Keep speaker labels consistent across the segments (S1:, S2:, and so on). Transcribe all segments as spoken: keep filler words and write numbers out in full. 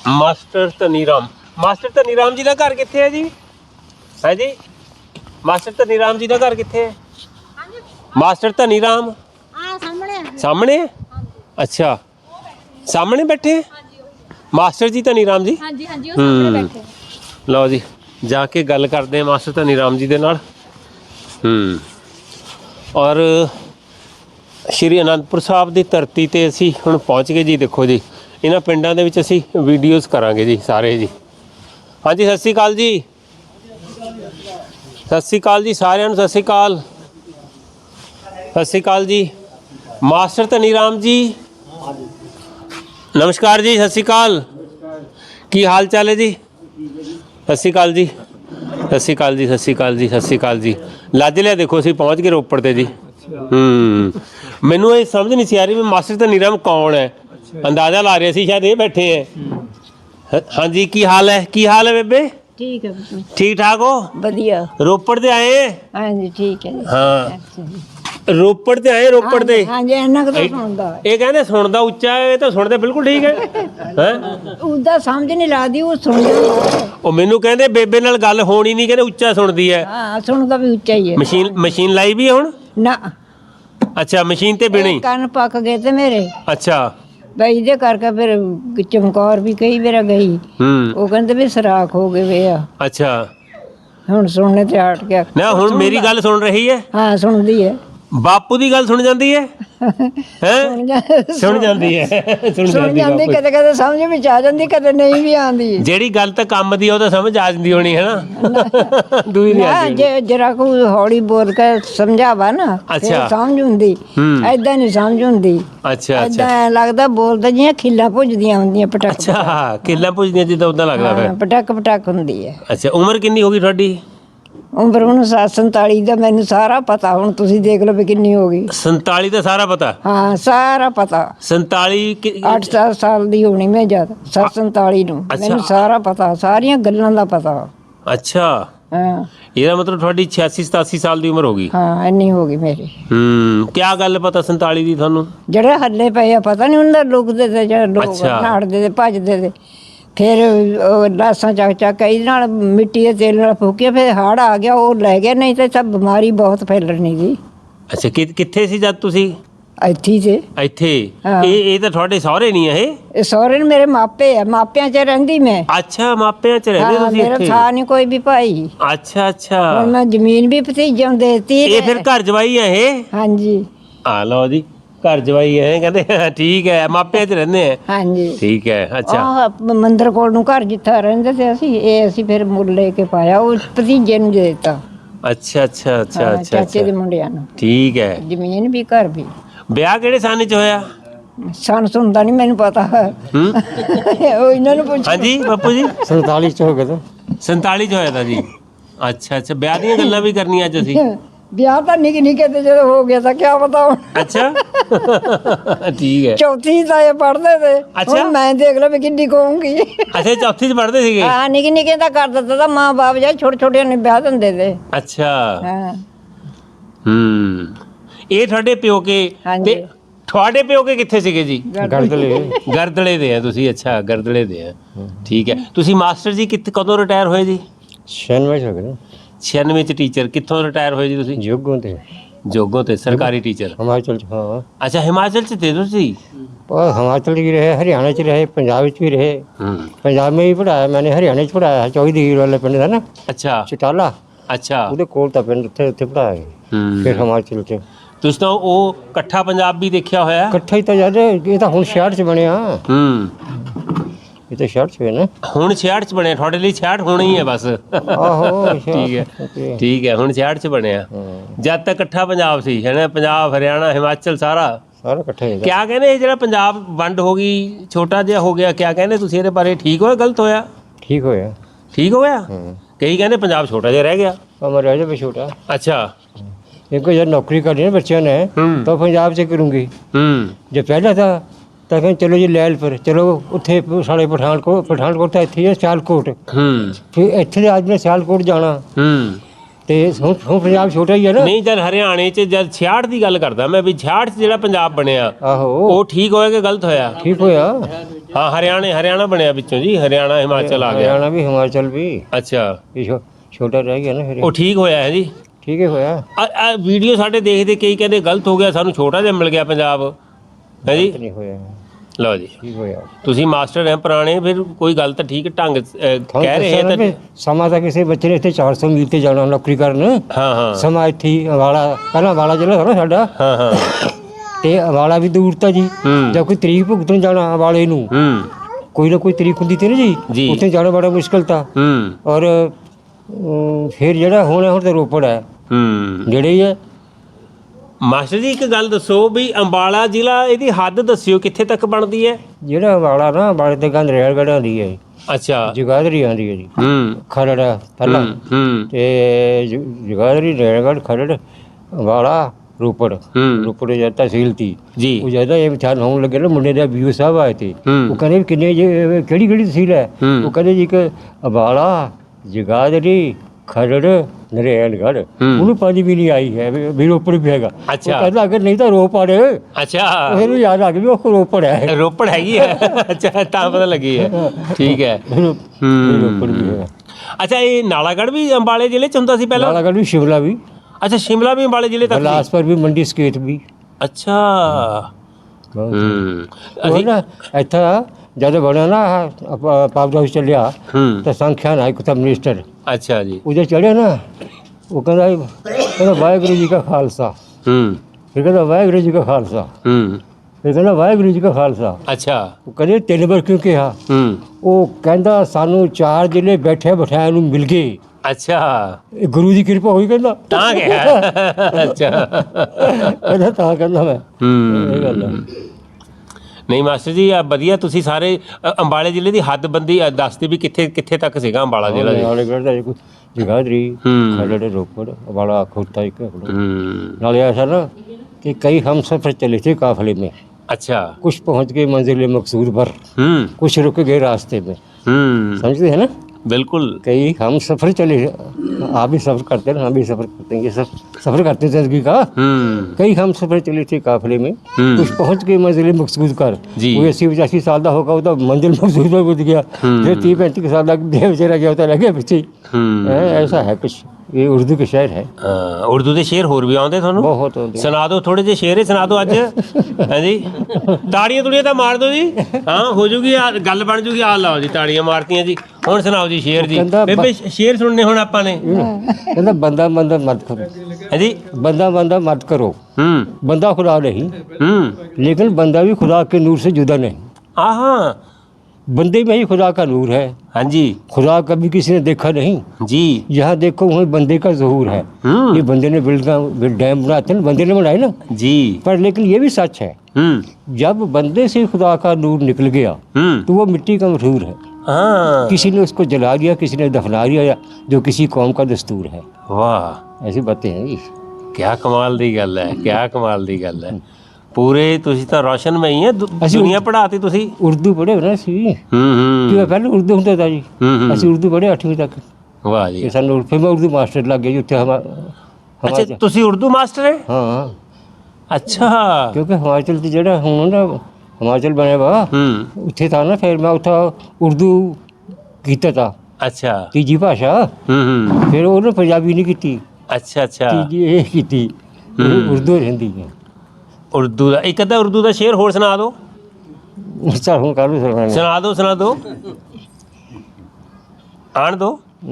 S1: Master Dhani Ram master Dhani Ram ji ਦਾ ਘਰ ਕਿੱਥੇ ਹੈ ਜੀ? ਹੈ ਜੀ ਮਾਸਟਰ ਧਨੀ ਰਾਮ ਜੀ ਦਾ ਘਰ ਕਿੱਥੇ ਹੈ? ਮਾਸਟਰ ਧਨੀ ਰਾਮ ਸਾਹਮਣੇ? ਅੱਛਾ ਸਾਹਮਣੇ ਬੈਠੇ ਮਾਸਟਰ ਜੀ ਧਨੀ ਰਾਮ ਜੀ? ਹਾਂਜੀ ਹਾਂਜੀ ਉਹ ਸਾਹਮਣੇ ਬੈਠੇ। ਲਓ ਜੀ ਜਾ ਕੇ ਗੱਲ ਕਰਦੇ ਹਾਂ ਮਾਸਟਰ ਧਨੀ ਰਾਮ ਜੀ ਦੇ ਨਾਲ। ਹੂੰ ਔਰ ਸ਼੍ਰੀ ਅਨੰਦਪੁਰ ਸਾਹਿਬ ਦੀ ਧਰਤੀ 'ਤੇ ਅਸੀਂ ਹੁਣ ਪਹੁੰਚ ਗਏ ਜੀ। ਦੇਖੋ ਜੀ ਇਹਨਾਂ ਪਿੰਡਾਂ ਦੇ ਵਿੱਚ ਅਸੀਂ ਵੀਡੀਓਜ਼ ਕਰਾਂਗੇ ਜੀ ਸਾਰੇ ਜੀ। ਹਾਂਜੀ ਸਤਿ ਸ਼੍ਰੀ ਅਕਾਲ ਜੀ। ਸਤਿ ਸ਼੍ਰੀ ਅਕਾਲ ਜੀ ਸਾਰਿਆਂ ਨੂੰ। ਸਤਿ ਸ਼੍ਰੀ ਅਕਾਲ ਸਤਿ ਸ਼੍ਰੀ ਅਕਾਲ ਜੀ। ਮਾਸਟਰ ਧਨੀ ਰਾਮ ਜੀ ਨਮਸਕਾਰ ਜੀ। ਸਤਿ ਸ਼੍ਰੀ ਅਕਾਲ ਕੀ ਹਾਲ ਚਾਲ ਹੈ ਜੀ? ਸਤਿ ਸ਼੍ਰੀ ਅਕਾਲ ਜੀ। ਸਤਿ ਸ਼੍ਰੀ ਅਕਾਲ ਜੀ। ਸਤਿ ਸ਼੍ਰੀ ਅਕਾਲ ਜੀ। ਸਤਿ ਸ਼੍ਰੀ ਅਕਾਲ ਜੀ। ਲੱਜ ਲਿਆ ਦੇਖੋ ਅਸੀਂ ਪਹੁੰਚ ਗਏ ਰੋਪੜ 'ਤੇ ਜੀ। ਹੂੰ ਮੈਨੂੰ ਇਹ ਸਮਝ ਨਹੀਂ ਸੀ ਆ ਰਹੀ ਵੀ ਮਾਸਟਰ ਧਨੀ ਰਾਮ ਕੌਣ ਹੈ। ਅੰਦਾਜ਼ਾ ਲਾ ਰਹੇ ਸੀ ਸ਼ਾਇਦ ਇਹ ਬੈਠੇ ਹੈ। ਹਾਂਜੀ ਕੀ ਹਾਲ ਹੈ? ਕੀ ਹਾਲ ਹੈ ਬੇਬੇ? ਠੀਕ ਹੈ। ਠੀਕ ਠਾਕ ਹੋ? ਵਧੀਆ। ਰੋਪੜ 'ਤੇ ਆਏ? ਹਾਂਜੀ ਠੀਕ ਹੈ। ਹਾਂ ਰੋਪੜ 'ਤੇ ਆਏ? ਰੋਪੜ 'ਤੇ ਹਾਂਜੀ ਇੰਨਾ ਕੁ ਤਾਂ ਸੁਣਦਾ। ਇਹ ਕਹਿੰਦੇ ਸੁਣਦਾ ਉੱਚਾ ਹੈ, ਇਹ ਤਾਂ ਸੁਣਦੇ ਬਿਲਕੁਲ ਠੀਕ ਹੈ। ਹੈ ਉਹਦਾ ਸਮਝ ਨਹੀਂ ਲੱਗਦੀ ਉਹ ਸੁਣਦਾ। ਉਹ ਮੈਨੂੰ ਕਹਿੰਦੇ ਬੇਬੇ ਨਾਲ ਗੱਲ ਹੋਣੀ ਨਹੀਂ, ਕਹਿੰਦੇ ਉੱਚਾ ਸੁਣਦੀ ਹੈ। ਹਾਂ ਸੁਣਦਾ ਵੀ ਉੱਚਾ ਹੀ ਹੈ। ਮਸ਼ੀਨ ਮਸ਼ੀਨ ਲਾਈ ਵੀ ਹੁਣ ਨਾ? ਅੱਛਾ ਮਸ਼ੀਨ ਤੇ ਬਿਣੀ ਕੰਨ ਪੱਕ ਗਏ ਤੇ ਮੇਰੇ। ਅੱਛਾ ਬਈ ਇਹਦੇ ਕਰਕੇ ਫਿਰ ਚਮਕੌਰ ਵੀ ਕਈ ਵਾਰ ਗਈ। ਹੂੰ ਉਹ ਕਹਿੰਦੇ ਵੀ ਸਰਾਖ ਹੋ ਗਏ ਵੇ ਆ। ਅੱਛਾ ਹੁਣ ਸੁਣਨੇ ਤੇ ਹਟ ਗਿਆ ਨਾ। ਹੁਣ ਮੇਰੀ ਗੱਲ ਸੁਣ ਰਹੀ ਹੈ? ਹਾਂ ਸੁਣਦੀ ਹੈ। ਬਾਪੂ ਦੀ ਗੱਲ ਸੁਣ ਜਾਂਦੀ ਹੈ? ਹੈ ਸੁਣ ਜਾਂਦੀ ਹੈ। ਸੁਣ ਜਾਂਦੀ ਕਦੇ ਕਦੇ ਸਮਝ ਵਿੱਚ ਆ ਜਾਂਦੀ ਕਦੇ ਨਹੀਂ ਵੀ ਆਉਂਦੀ। ਜਿਹੜੀ ਗੱਲ ਤਾਂ ਕੰਮ ਦੀ ਉਹ ਤਾਂ ਸਮਝ ਆ ਜਾਂਦੀ ਹੋਣੀ ਹੈ ਨਾ। ਦੂਈ ਨਹੀਂ ਆਉਂਦੀ ਜੇ ਜਰਾ ਕੋਈ ਹੌਲੀ ਬੋਲ ਕੇ ਸਮਝਾਵਾ ਨਾ ਫਿਰ ਸਮਝ ਹੁੰਦੀ। ਐਦਾਂ ਨਹੀਂ ਸਮਝ ਹੁੰਦੀ। ਅੱਛਾ ਐਦਾਂ ਲੱਗਦਾ ਬੋਲਦਾ ਜਿਹੀਆਂ ਖਿੱਲਾਂ ਭੁੱਜਦੀਆਂ ਹੁੰਦੀਆਂ ਪਟਕ। ਅੱਛਾ ਖਿੱਲਾਂ ਭੁੱਜਦੀਆਂ ਜਿੱਦਾਂ ਉਦਾਂ ਲੱਗਦਾ ਫਿਰ ਪਟਕ ਪਟਕ ਹੁੰਦੀ ਹੈ। ਅੱਛਾ ਉਮਰ ਕਿੰਨੀ ਹੋ ਗਈ ਤੁਹਾਡੀ? ਉਮਰ ਹੁਣ ਸੱਤ ਸੰਤਾਲੀ ਦਾ ਮੈਨੂੰ ਸਾਰਾ ਪਤਾ। ਹੁਣ ਤੁਸੀਂ ਦੇਖ ਲਓ ਵੀ ਕਿੰਨੀ ਹੋ ਗਈ। ਸੰਤਾਲੀ ਦਾ ਸਾਰਾ ਪਤਾ? ਹਾਂ ਸਾਰਾ ਪਤਾ। ਸੰਤਾਲੀ ਅੱਠ ਸੱਤ ਸਾਲ ਦੀ ਹੋਣੀ ਮੈਂ ਜਦ ਸੱਤ ਸੰਤਾਲੀ ਨੂੰ ਮੈਨੂੰ ਸਾਰਾ ਪਤਾ ਸਾਰੀਆਂ ਗੱਲਾਂ ਦਾ ਪਤਾ। ਅੱਛਾ ਹਾਂ ਇਹਦਾ ਮਤਲਬ ਤੁਹਾਡੀ ਛਿਆਸੀ ਸਤਾਸੀ ਸਾਲ ਦੀ ਉਮਰ ਹੋ ਗਈ? ਹਾਂ ਇੰਨੀ ਹੋ ਗਈ ਮੇਰੀ। ਹੂੰ ਕਿਆ ਗੱਲ ਪਤਾ ਸੰਤਾਲੀ ਦੀ ਤੁਹਾਨੂੰ? ਜਿਹੜੇ ਹੱਲੇ ਪਏ ਆ ਪਤਾ ਨਹੀਂ ਹੁੰਦਾ ਲੁਕਦੇ ਤੇ ਜਿਹੜੇ ਲੋਕ ਨਾੜਦੇ ਤੇ ਭੱਜਦੇ ਤੇ ਫਿਰ ਲਾਸਾਂ ਚੱਕ ਚੱਕ ਇਹਦੇ ਨਾਲ ਮਿੱਟੀ ਦੇ ਤੇਲ ਨਾਲ ਫੂਕਿਆ ਫਿਰ ਹੜ੍ਹ ਆ ਗਿਆ ਉਹ ਲੈ ਗਿਆ। ਨਹੀਂ ਤਾਂ ਸਭ ਬਿਮਾਰੀ ਬਹੁਤ ਫੈਲਣੀ ਸੀ। ਅੱਛਾ ਕਿ ਕਿੱਥੇ ਸੀ ਜਦ ਤੁਸੀਂ? ਇੱਥੇ ਤੇ ਇੱਥੇ ਇਹ ਇਹ ਤਾਂ ਤੁਹਾਡੇ ਸਹੁਰੇ ਨਹੀਂ ਹੈ? ਇਹ ਸਹੁਰੇ ਨੂੰ ਮੇਰੇ ਮਾਪੇ ਆ। ਮਾਪਿਆਂ 'ਚ ਰਹਿੰਦੀ ਮੈਂ। ਅੱਛਾ ਮਾਪਿਆਂ 'ਚ ਰਹਿੰਦੇ ਤੁਸੀਂ ਇੱਥੇ? ਮੇਰਾ ਥਾਂ ਨਹੀਂ ਕੋਈ ਵੀ ਭਾਈ। ਅੱਛਾ ਅੱਛਾ ਹੁਣ ਮੈਂ ਜ਼ਮੀਨ ਵੀ ਭਤੀਜਿਆਂ ਨੂੰ ਦੇ ਦਿੱਤੀ। ਇਹ ਫਿਰ ਘਰ ਜਵਾਈ ਹੈ ਇਹ? ਹਾਂਜੀ ਆ ਲਓ ਜੀ ਘਰ ਜਵਾਈ ਹੈ ਕਹਿੰਦੇ। ਠੀਕ ਹੈ ਮਾਪਿਆਂ 'ਚ ਰਹਿੰਦੇ ਆ? ਹਾਂਜੀ ਠੀਕ ਹੈ। ਅੱਛਾ ਮੰਦਰ ਕੋਲ ਨੂੰ ਘਰ ਜਿੱਥਾ ਰਹਿੰਦੇ ਤੇ ਅਸੀਂ ਇਹ ਅਸੀਂ ਫਿਰ ਮੁੱਲ ਲੈ ਕੇ ਪਾਇਆ ਉਹ ਭਤੀਜੇ ਨੂੰ ਦੇ ਦਿੱਤਾ। ਅੱਛਾ ਅੱਛਾ ਅੱਛਾ ਅੱਛਾ ਚਾਚੇ ਦੇ ਮੁੰਡਿਆਂ ਨੂੰ। ਠੀਕ ਹੈ ਜ਼ਮੀਨ ਵੀ ਘਰ ਵੀ। ਵਿਆਹ ਕਿਹੜੇ ਸਾਲ 'ਚ ਹੋਇਆ? ਸਨ ਸੁਣਦਾ ਨਹੀਂ ਮੈਨੂੰ ਪਤਾ। ਉਹ ਇਹਨਾਂ ਨੂੰ ਪੁੱਛ। ਹਾਂਜੀ ਬਾਪੂ ਜੀ ਸੰਤਾਲੀ 'ਚ ਹੋ ਗਿਆ ਤਾਂ। ਸੰਤਾਲੀ 'ਚ ਹੋਇਆ ਤਾਂ ਜੀ? ਅੱਛਾ ਅੱਛਾ ਵਿਆਹ ਦੀਆਂ ਗੱਲਾਂ ਵੀ ਕਰਨੀਆਂ ਅੱਜ ਅਸੀਂ? ਵਿਆਹ ਤਾਂ ਨਿੱਕੇ ਨਿੱਕੇ ਤੇ ਜਦੋਂ ਹੋ ਗਿਆ ਤਾਂ ਕਿਆ ਪਤਾ ਹੁਣ। ਅੱਛਾ ਠੀਕ ਹੈ। ਚੌਥੀ ਤਾਂ ਇਹ ਪੜ੍ਹਦੇ ਤੇ। ਅੱਛਾ ਮੈਂ ਦੇਖ ਲਾ ਵੀ ਕਿੰਨੀ ਕਹੂੰਗੀ। ਅੱਛਾ ਚੌਥੀ 'ਚ ਪੜ੍ਹਦੇ ਸੀਗੇ? ਹਾਂ ਨਿੱਕੇ ਨਿੱਕੇ ਤਾਂ ਕਰ ਦਿੱਤਾ ਤਾਂ ਮਾਂ ਬਾਪ ਜਾਂ ਛੋਟੇ ਛੋਟਿਆਂ ਨੂੰ ਵਿਆਹ ਦਿੰਦੇ ਤੇ। ਅੱਛਾ ਹਾਂ ਹੂੰ ਇਹ ਤੁਹਾਡੇ ਪਿਓਕੇ ਤੇ ਤੁਹਾਡੇ ਪਿਓਕੇ ਕਿੱਥੇ ਸੀਗੇ ਜੀ? ਗਰਦਲੇ। ਗਰਦਲੇ ਦੇ ਆ ਤੁਸੀਂ? ਅੱਛਾ ਗਰਦਲੇ ਦੇ ਆ ਠੀਕ ਹੈ। ਤੁਸੀਂ ਮਾਸਟਰ ਜੀ ਕਿੱਥੇ ਕਦੋਂ ਰਿਟਾਇਰ ਹੋਏ ਜੀ? ਛਿਆਨਵੇਂ 'ਚ ਹੋ ਗਏ। ਛਿਆਨਵੇਂ 'ਚ ਟੀਚਰ ਕਿੱਥੋਂ ਰਿਟਾਇਰ ਹੋਏ ਜੀ ਤੁਸੀਂ? ਜੋਗੋਂ ਤੇ। ਜੋਗੋਂ ਤੇ ਸਰਕਾਰੀ ਟੀਚਰ ਹਿਮਾਚਲ 'ਚ। ਹਾਂ ਅੱਛਾ ਹਿਮਾਚਲ 'ਚ ਤੇ ਤੁਸੀਂ? ਹਿਮਾਚਲ 'ਚ ਵੀ ਰਹੇ ਹਰਿਆਣਾ 'ਚ ਰਹੇ ਪੰਜਾਬ ਵਿੱਚ ਵੀ ਰਹੇ। ਪੰਜਾਬ ਮੇਂ ਵੀ ਪੜ੍ਹਾਇਆ ਮੈंने ਹਰਿਆਣੇ 'ਚ ਪੜ੍ਹਾਇਆ ਚੌਕੀ ਦੀ ਵਾਲੇ ਪਿੰਡ ਦਾ ਨਾ। ਅੱਛਾ ਚਟਾਲਾ। ਅੱਛਾ ਉਹਦੇ ਕੋਲ ਤਾਂ ਪਿੰਡ ਉੱਥੇ ਉੱਥੇ ਪੜ੍ਹਾਇਆ। ਫਿਰ ਹਿਮਾਚਲ 'ਚ। ਤੁਸੀਂ ਤਾਂ ਉਹ ਇਕੱਠਾ ਪੰਜਾਬ ਵੀ ਦੇਖਿਆ ਹੋਇਆ? ਇਕੱਠਾ ਹੀ ਤਾਂ ਯਾਰ ਇਹ ਤਾਂ ਹੁਣ ਛਿਆਹਠ 'ਚ ਬਣਿਆ। ਹੂੰ ਇਹ ਤਾਂ ਛਿਆਹਠ 'ਚ ਹੋਇਆ ਨਾ। ਹੁਣ ਛਿਆਹਠ 'ਚ ਬਣਿਆ ਤੁਹਾਡੇ ਲਈ ਛਿਆਹਠ ਹੋਣਾ ਹੀ ਹੈ ਬਸ। ਆਹੋ ਠੀਕ ਹੈ ਠੀਕ ਹੈ ਹੁਣ ਛਿਆਹਠ 'ਚ ਬਣਿਆ। ਜਦ ਤੱਕ ਇਕੱਠਾ ਪੰਜਾਬ ਸੀ ਹੈ ਨਾ ਪੰਜਾਬ ਹਰਿਆਣਾ ਹਿਮਾਚਲ ਸਾਰਾ ਸਾਰਾ ਇਕੱਠਾ ਹੀ। ਕਿਆ ਕਹਿੰਦੇ ਇਹ ਜਿਹੜਾ ਪੰਜਾਬ ਵੰਡ ਹੋ ਗਈ ਛੋਟਾ ਜਿਹਾ ਹੋ ਗਿਆ ਕਿਆ ਕਹਿੰਦੇ ਤੁਸੀਂ ਇਹਦੇ ਬਾਰੇ? ਠੀਕ ਹੋਇਆ ਗਲਤ ਹੋਇਆ? ਠੀਕ ਹੋਇਆ। ਠੀਕ ਹੋਇਆ? ਕਈ ਕਹਿੰਦੇ ਪੰਜਾਬ ਛੋਟਾ ਜਿਹਾ ਰਹਿ ਗਿਆ। ਅਮਰ ਰਹਿ ਜਾਵੇ ਛੋਟਾ। ਅੱਛਾ ਇੱਕ ਜਦ ਨੌਕਰੀ ਕਰਨੀ ਨਾ ਬੱਚਿਆਂ ਨੇ ਤਾਂ ਪੰਜਾਬ 'ਚ ਕਰੂੰਗੀ। ਜੇ ਪਹਿਲਾਂ ਤਾਂ ਤਾਂ ਕਹਿੰਦੇ ਚਲੋ ਜੀ ਲੈਲ ਪਰ ਚਲੋ ਉੱਥੇ ਸਾਡੇ ਪਠਾਨਕੋਟ ਪਠਾਨਕੋਟ ਤਾਂ ਇੱਥੇ ਹੀ ਹੈ ਸਿਆਲਕੋਟ। ਫਿਰ ਇੱਥੇ ਦੇ ਆਦਮੀ ਨੇ ਸਿਆਲਕੋਟ ਜਾਣਾ
S2: ਤੇ ਹੁਣ ਹੁਣ ਪੰਜਾਬ ਛੋਟਾ ਹੀ ਹੈ ਨਾ।
S1: ਨਹੀਂ ਜਦ ਹਰਿਆਣੇ 'ਚ ਜਦ ਛਿਆਹਠ ਦੀ ਗੱਲ ਕਰਦਾ ਮੈਂ ਵੀ ਛਿਆਹਠ 'ਚ ਜਿਹੜਾ ਪੰਜਾਬ ਬਣਿਆ
S2: ਆਹੋ
S1: ਉਹ ਠੀਕ ਹੋਇਆ ਕਿ ਗਲਤ ਹੋਇਆ?
S2: ਠੀਕ ਹੋਇਆ।
S1: ਹਾਂ ਹਰਿਆਣੇ ਹਰਿਆਣਾ ਬਣਿਆ ਵਿੱਚੋਂ ਜੀ, ਹਰਿਆਣਾ ਹਿਮਾਚਲ ਆ ਗਿਆ।
S2: ਹਰਿਆਣਾ ਵੀ ਹਿਮਾਚਲ ਵੀ
S1: ਅੱਛਾ
S2: ਇਹ ਛੋ- ਛੋਟਾ ਰਹਿ ਗਿਆ ਨਾ ਫਿਰ।
S1: ਉਹ ਠੀਕ ਹੋਇਆ ਹੈ ਜੀ।
S2: ਠੀਕ ਹੀ ਹੋਇਆ।
S1: ਆ ਵੀਡੀਓ ਸਾਡੇ ਦੇਖਦੇ ਕਈ ਕਹਿੰਦੇ ਗਲਤ ਹੋ ਗਿਆ, ਸਾਨੂੰ ਛੋਟਾ ਜਿਹਾ ਮਿਲ ਗਿਆ ਪੰਜਾਬ, ਹੈ ਜੀ।
S2: ਨਹੀਂ ਹੋਇਆ,
S1: ਲਓ ਜੀ
S2: ਠੀਕ ਹੋਇਆ।
S1: ਤੁਸੀਂ ਮਾਸਟਰ ਹੈ ਪੁਰਾਣੇ, ਫਿਰ ਕੋਈ ਗੱਲ ਤਾਂ ਠੀਕ ਢੰਗ ਅ, ਕਹਿ ਰਹੇ
S2: ਦੱਸਿਆ
S1: ਹੈ
S2: ਨਾ ਵੀ
S1: ਤਾਂ
S2: ਸਮਾਂ ਤਾਂ ਕਿਸੇ ਬੱਚੇ ਨੇ ਇੱਥੇ ਚਾਰ ਸੌ ਮੀਲ ਤੇ ਜਾਣਾ ਨੌਕਰੀ ਕਰਨ।
S1: ਹਾਂ ਹਾਂ
S2: ਸਮਾਂ ਇੱਥੇ ਹੀ ਅਵਾਲਾ, ਪਹਿਲਾਂ ਅਵਾਲਾ ਜ਼ਿਲ੍ਹਾ ਸੀ ਨਾ ਸਾਡਾ,
S1: ਹਾਂ ਹਾਂ
S2: ਤੇ ਅਵਾਲਾ ਵੀ ਦੂਰ ਤਾਂ ਜੀ।
S1: ਹੂੰ
S2: ਜਾਂ ਕੋਈ ਤਰੀਕ ਭੁਗਤਣ ਜਾਣਾ ਅਵਾਲੇ ਨੂੰ,
S1: ਹੂੰ
S2: ਕੋਈ ਨਾ ਕੋਈ ਤਰੀਕ ਹੁੰਦੀ ਤੇ ਨਾ
S1: ਜੀ।
S2: ਜੀ, ਉੱਥੇ ਜਾਣਾ ਬੜਾ ਮੁਸ਼ਕਲ ਤਾਂ।
S1: ਹੂੰ
S2: ਔਰ ਅਮ, ਫਿਰ ਜਿਹੜਾ ਹੁਣ ਹੁਣ ਤਾਂ ਰੋਪੜ ਹੈ
S1: ਹੂੰ
S2: ਜਿਹੜੇ ਹੀ ਹੈ।
S1: ਮਾਸਟਰ ਜੀ ਇੱਕ ਗੱਲ ਦੱਸੋ ਵੀ ਅੰਬਾਲਾ ਜ਼ਿਲ੍ਹਾ ਇਹਦੀ ਹੱਦ ਦੱਸਿਓ ਕਿੱਥੇ ਤੱਕ ਬਣਦੀ ਹੈ?
S2: ਜਿਹੜਾ ਅਵਾਲਾ ਨਾ ਅਵਾਲੇ ਤੇ ਗੰਦ ਰੇਲਗੜ੍ਹ ਆਉਂਦੀ ਹੈ,
S1: ਅੱਛਾ
S2: ਜਗਾਦਰੀ ਆਉਂਦੀ ਹੈ ਜੀ,
S1: ਹੂੰ
S2: ਖਰੜ ਪਹਿਲਾਂ,
S1: ਹੂੰ ਹੂੰ
S2: ਤੇ ਜ- ਜਗਾਦਰੀ ਰੇਲਗੜ੍ਹ ਖਰੜ ਅਵਾਲਾ ਰੋਪੜ।
S1: ਹੂੰ
S2: ਰੋਪੜ ਜਦ ਤਹਿਸੀਲ ਤੀ
S1: ਜੀ
S2: ਉਹ ਜਿਆਦਾ ਇਹ ਵਿਚਾਰ ਹੋਣ ਲੱਗੇ ਨਾ, ਮੁੰਡੇ ਦੇ ਵੀਓ ਸਾਹਿਬ ਆਏ ਤੇ
S1: ਹੂੰ
S2: ਉਹ ਕਹਿੰਦੇ ਵੀ ਕਿੰਨੇ ਜੇ ਕਿਹੜੀ ਕਿਹੜੀ ਤਹਿਸੀਲ ਹੈ?
S1: ਹੂੰ।
S2: ਉਹ ਕਹਿੰਦੇ ਜੀ ਕਿ ਅਵਾਲਾ ਜਗਾਦਰੀ ਖਰੜ ਨਰੇਲਗੜ੍ਹ।
S1: ਹੂੰ।
S2: ਉਹਨੂੰ ਪੰਜ ਵੀ ਨਹੀਂ ਆਈ ਹੈ ਵੀ- ਵੀ ਰੋਪੜ ਵੀ ਹੈਗਾ।
S1: ਅੱਛਾ।
S2: ਉਹ ਕਹਿੰਦਾ ਅਗਰ ਨਹੀਂ ਤਾਂ ਰੋਪੜ,
S1: ਅੱਛਾ
S2: ਉਹਨੂੰ ਯਾਦ ਆ ਗਿਆ ਵੀ ਉਹ ਰੋਪੜ ਹੈ।
S1: ਰੋਪੜ ਹੈਗੀ ਹੈ ਅੱਛਾ ਤਾਂ ਪਤਾ ਲੱਗੀ ਹੈ, ਠੀਕ ਹੈ।
S2: ਵੀ ਰੋਪੜ ਵੀ ਹੈਗਾ।
S1: ਅੱਛਾ ਇਹ ਨਾਲਾਗੜ੍ਹ ਵੀ ਅੰਬਾਲੇ ਜ਼ਿਲ੍ਹੇ 'ਚ ਹੁੰਦਾ ਸੀ ਪਹਿਲਾਂ?
S2: ਨਾਲਾਗੜ੍ਹ ਵੀ, ਸ਼ਿਮਲਾ ਵੀ,
S1: ਅੱਛਾ ਸ਼ਿਮਲਾ ਵੀ ਅੰਬਾਲੇ ਜ਼ਿਲ੍ਹੇ ਤੱਕ ਸੀ?
S2: ਬਿਲਾਸਪੁਰ ਵੀ, ਮੰਡੀ ਸਕੇਤ ਵੀ।
S1: ਅੱਛਾ
S2: ਬਹੁਤ।
S1: ਹੂੰ
S2: ਉਹ
S1: ਅਸੀਂ
S2: ਨਾ ਇੱਥੇ ਜਦ ਬਣਿਆ ਨਾ ਪਾਵਰ ਹਾਊਸ ਚੱਲਿਆ
S1: ਹੂੰ
S2: ਤਾਂ ਸੰਖਿਆ ਨਾ ਇੱਕ ਤਾਂ ਮਿਨਿਸਟਰ
S1: ਅੱਛਾ ਜੀ
S2: ਉਹਦੇ ਚੜਿਆ ਨਾ, ਉਹ ਕਹਿੰਦਾ ਕਹਿੰਦਾ ਵਾਹਿਗੁਰੂ ਜੀ ਕਾ ਖਾਲਸਾ,
S1: ਹੂੰ
S2: ਫਿਰ ਕਹਿੰਦਾ ਵਾਹਿਗੁਰੂ ਜੀ ਕਾ ਖਾਲਸਾ,
S1: ਹੂੰ
S2: ਫਿਰ ਕਹਿੰਦਾ ਵਾਹਿਗੁਰੂ ਜੀ ਕਾ ਖਾਲਸਾ।
S1: ਅੱਛਾ
S2: ਉਹ ਕਹਿੰਦੇ ਤਿੰਨ ਵਾਰ ਕਿਉਂ ਕਿਹਾ?
S1: ਹੂੰ
S2: ਉਹ ਕਹਿੰਦਾ ਸਾਨੂੰ ਚਾਰ ਜ਼ਿਲ੍ਹੇ ਬੈਠੇ ਬਿਠਾਇਆ ਨੂੰ ਮਿਲ ਗਏ,
S1: ਅੱਛਾ
S2: ਇਹ ਗੁਰੂ ਦੀ ਕਿਰਪਾ ਹੋਈ ਕਹਿੰਦਾ।
S1: ਤਾਂ ਗਿਆ ਅੱਛਾ
S2: ਕਹਿੰਦਾ ਤਾਂ ਕਹਿੰਦਾ ਮੈਂ ਇਹ ਗੱਲ ਹੈ।
S1: ਹੂੰ ਨਹੀਂ ਮਾਸਟਰ ਜੀ ਆ ਵਧੀਆ, ਤੁਸੀਂ ਸਾਰੇ ਅ, ਅੰਬਾਲੇ ਜ਼ਿਲ੍ਹੇ ਦੀ ਹੱਦਬੰਦੀ ਅ, ਦੱਸਦੇ ਵੀ ਕਿੱਥੇ ਕਿੱਥੇ ਤੱਕ ਸੀਗਾ ਅੰਬਾਲਾ ਜ਼ਿਲ੍ਹਾ ਜੀ?
S2: ਨਾਲੇ ਕਹਿੰਦਾ ਇੱਕ ਜਗਾਦਰੀ,
S1: ਹੂੰ।
S2: ਖਰੜ, ਰੋਪੜ, ਵਾਲਾ ਖੋਤਾ ਇੱਕ
S1: ਹੂੰ
S2: नाले ऐसा ना कि कई हम सफ़र चले थे काफिले में,
S1: अच्छा
S2: कुछ पहुंच गए मंजिल मकसूद पर,
S1: हम्म
S2: कुछ रुक गए रास्ते में।
S1: हम्म
S2: समझते हैं ना?
S1: बिल्कुल
S2: कई हम सफ़र चले, आप भी सफ़र करते हैं, हम भी सफ़र करते हैं, ये सब सफ़र करते थे जिंदगी का।
S1: हम्म
S2: कई हम सफ़र चले थे काफिले में,
S1: हम्म।
S2: कुछ पहुंच गए मंजिल मकसूद कर।
S1: जी।
S2: कोई अस्सी पचासी साल का होगा वो तो मंजिल मकसूद पर पहुंच गया, जो तीस पैंतीस साल का बेचारा गया होता रह गया पीछे।
S1: हम्म
S2: हैं, ऐसा है कुछ, ये उर्दू के शायर है,
S1: ਹਾਂ, ਉਰਦੂ ਦੇ ਸ਼ੇਰ ਹੋਰ ਵੀ ਆਉਂਦੇ ਤੁਹਾਨੂੰ?
S2: बहुत होते हैं।
S1: ਸੁਣਾ ਦਿਓ ਥੋੜੇ ਜਿਹੇ ਸ਼ੇਰ ਹੀ ਸੁਣਾ ਦਿਓ ਅੱਜ ਹਾਂਜੀ ਤਾੜੀਆਂ ਤੁੜੀਆਂ ਤਾਂ ਮਾਰ ਦਿਓ ਜੀ, ਹਾਂ ਹੋ ਜੂਗੀ ਆ ਗੱਲ ਬਣ ਜੂਗੀ। ਆ ਲਓ ਜੀ ਤਾੜੀਆਂ ਮਾਰਤੀਆਂ ਜੀ, ਹੁਣ ਸੁਣਾਓ ਜੀ ਸ਼ੇਰ ਜੀ।
S2: ਕਹਿੰਦਾ ਬ-
S1: ਬੇਬੇ ਸ਼ੇਰ ਸੁਣਨੇ ਹੁਣ ਆਪਾਂ ਨੇ
S2: कहता बंदा बंदा मत करो,
S1: ਹਾਂਜੀ
S2: बंदा बंदा मत करो,
S1: ਹੂੰ
S2: बंदा खुदा नहीं,
S1: ਹੂੰ
S2: लेकिन बंदा भी खुदा के नूर से जुदा नहीं।
S1: ਆਹਾਂ
S2: बंदे में ही खुदा का नूर है,
S1: ਹਾਂਜੀ
S2: खुदा कभी किसी ने देखा नहीं,
S1: जी
S2: यहाँ देखो वहीं बंदे का ज़हूर है।
S1: हम्म।
S2: ये बंदे ने बिल्डिंग डैम बनाते हैं, बंदे ने बनाए ना,
S1: जी
S2: पर लेकिन ये भी सच है,
S1: हम्म
S2: जब बंदे से खुदा का नूर निकल गया
S1: हम्म
S2: तो वो मिट्टी का मशहूर है।
S1: हाँ
S2: किसी ने उसको जला दिया, किसी ने दफना दिया, या जो किसी कौम का दस्तूर है।
S1: वाह
S2: ऐसी बातें हैं जी।
S1: ਕਿਆ ਕਮਾਲ ਦੀ ਗੱਲ ਹੈ, ਕਿਆ ਕਮਾਲ ਦੀ ਗੱਲ ਹੈ। ਪੂਰੇ ਤੁਸੀਂ ਤਾਂ ਰੌਸ਼ਨ ਮੈਂ ਹੀ ਹੈ, ਦੁ-
S2: ਅਸੀਂ-
S1: ਦੁਨੀਆ ਪੜਾਤੀ ਤੁਸੀਂ।
S2: उर्दू पढ़े हो ना सी,
S1: ਹੂੰ ਹੂੰ
S2: पहले उर्दू होता था जी,
S1: ਹੂੰ ਹੂੰ
S2: ਅਸੀਂ ਉਰਦੂ ਪੜ੍ਹੇ ਅੱਠਵੀਂ ਤੱਕ।
S1: ਵਾਹ ਜੀ।
S2: ਇਹ ਸਾਨੂੰ ਫਿਰ ਮੈਂ ਉਰਦੂ ਮਾਸਟਰ ਲੱਗ ਗਿਆ ਜੀ ਉੱਥੇ ਹਮਾ
S1: ਅੱਛਾ
S2: ਹਿਮਾਚਲ।
S1: ਤੁਸੀਂ ਉਰਦੂ ਮਾਸਟਰ ਹੈ?
S2: ਹਾਂ,
S1: ਅੱਛਾ
S2: ਕਿਉਂਕਿ ਹਿਮਾਚਲ 'ਚ ਜਿਹੜਾ ਹੁਣ ਨਾ ਹਿਮਾਚਲ ਬਣਿਆ ਵਾ,
S1: ਹੂੰ
S2: ਉੱਥੇ ਤਾਂ ਨਾ ਫਿਰ ਮੈਂ ਉੱਥੇ ਉਰਦੂ ਕੀਤਾ ਤਾ
S1: ਅੱਛਾ
S2: ਤੀਜੀ ਭਾਸ਼ਾ,
S1: ਹੂੰ ਹੂੰ
S2: ਫਿਰ ਉਹਨੇ ਪੰਜਾਬੀ ਨਹੀਂ ਕੀਤੀ,
S1: ਅੱਛਾ ਅੱਛਾ
S2: ਤੀਜੀ ਇਹ ਕੀਤੀ, ਉਹ ਉਰਦੂ ਰਹਿੰਦੀ ਹੈ।
S1: ਉਰਦੂ ਦਾ ਇੱਕ ਅੱਧਾ ਉਰਦੂ ਦਾ ਸ਼ੇਰ ਹੋਰ ਸੁਣਾ ਦਿਓ,
S2: ਚੱਲ ਹੁਣ ਕਰ ਲਓ ਸਰਵਾਨੇ।
S1: ਸੁਣਾ ਦਿਓ ਸੁਣਾ ਦਿਓ ਆਣ ਦਿਓ।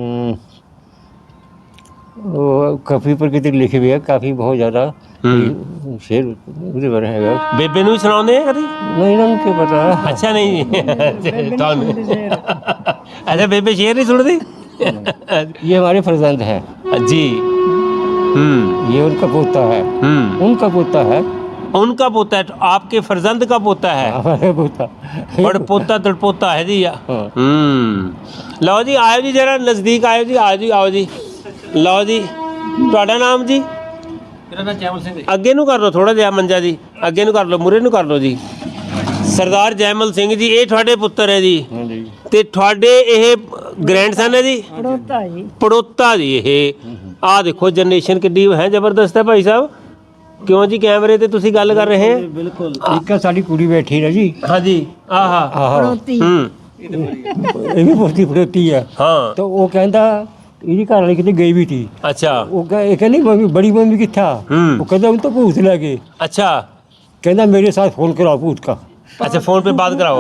S2: ਉਹ ਕਾਫੀ ਪ੍ਰਕਿਰਤੀ ਲਿਖੇ ਹੋਏ ਆ, ਕਾਫੀ ਬਹੁਤ ਜ਼ਿਆਦਾ ਸ਼ੇਰ ਉਹਦੇ ਬਾਰੇ ਹੈਗਾ।
S1: ਬੇਬੇ ਨੂੰ ਵੀ ਸੁਣਾਉਂਦੇ ਆ ਕਦੀ?
S2: ਨਹੀਂ ਇਹਨਾਂ ਨੂੰ ਕੀ ਪਤਾ।
S1: ਅੱਛਾ ਨਹੀਂ ਤੁਹਾਨੂੰ ਅੱਛਾ ਬੇਬੇ ਸ਼ੇਰ ਨਹੀਂ ਸੁਣਦੀ?
S2: ये हमारे फर्जंद है
S1: जी हम्म
S2: ये उनका पोता है,
S1: हम्म
S2: उनका पोता है,
S1: उनका पोता है, आपके फर्जंद का पोता है,
S2: हमारे पोता।
S1: बड़ पोता तड़पोता है जी।
S2: हाँ।
S1: हम्म लो जी आयो जी जरा नज़दीक आयो जी, आओ जी आओ जी। लो जी ਤੁਹਾਡਾ ਨਾਮ ਜੀ?
S3: ਮੇਰਾ ਨਾਮ ਜੈਮਲ ਸਿੰਘ ਹੈ।
S1: ਅੱਗੇ ਨੂੰ ਕਰ ਲਓ ਥੋੜਾ ਜਿਹਾ ਮੰਜਾ ਜੀ, ਅੱਗੇ ਨੂੰ ਕਰ ਲਓ, ਮੂਰੇ ਨੂੰ ਕਰ ਲਓ ਜੀ। ਸਰਦਾਰ ਜੈਮਲ ਸਿੰਘ ਜੀ ਇਹ ਤੁਹਾਡੇ ਪੁੱਤਰ ਹੈ ਜੀ,
S2: हाँ जी।
S1: ਤੇ ਤੁਹਾਡੇ ਇਹ ਗ੍ਰੈਂਡਸਨ ਹੈ ਜੀ?
S4: ਪੜੋਤਾ ਜੀ।
S1: ਪੜੋਤਾ ਜੀ ਇਹ ਆਹ ਦੇਖੋ ਜਨਰੇਸ਼ਨ ਕਿੱਡੀ ਹੈ ਜ਼ਬਰਦਸਤ ਹੈ ਭਾਈ ਸਾਹਿਬ। ਕਿਉਂ ਜੀ ਕੈਮਰੇ ਤੇ ਤੁਸੀਂ ਗੱਲ ਕਰ ਰਹੇ ਹੋ?
S3: ਬਿਲਕੁਲ
S2: ਇੱਕ ਆ ਸਾਡੀ ਕੁੜੀ ਬੈਠੀ ਨਾ ਜੀ,
S1: ਹਾਂਜੀ ਆਹਾ
S2: ਆਹੋ
S1: ਹੂੰ
S2: ਇਹ ਵੀ ਪੋਤੀ ਪੜੋਤੀ ਆ।
S1: ਹਾਂ
S2: ਤਾਂ ਉਹ ਕਹਿੰਦਾ ਇਹਦੀ ਘਰ ਵਾਲੀ ਕਿਤੇ ਗਈ ਵੀ ਸੀ।
S1: ਅੱਛਾ
S2: ਉਹ ਕਹੇ ਇਹ ਕਹਿੰਦੀ ਮੰਮੀ ਬੜੀ ਮੰਮੀ किथा।
S1: हम्म।
S2: वो कहता उन तो भूत लगे।
S1: अच्छा
S2: कहता मेरे साथ फोन कराओ भूत का।
S1: अच्छा फोन पे बात कराओ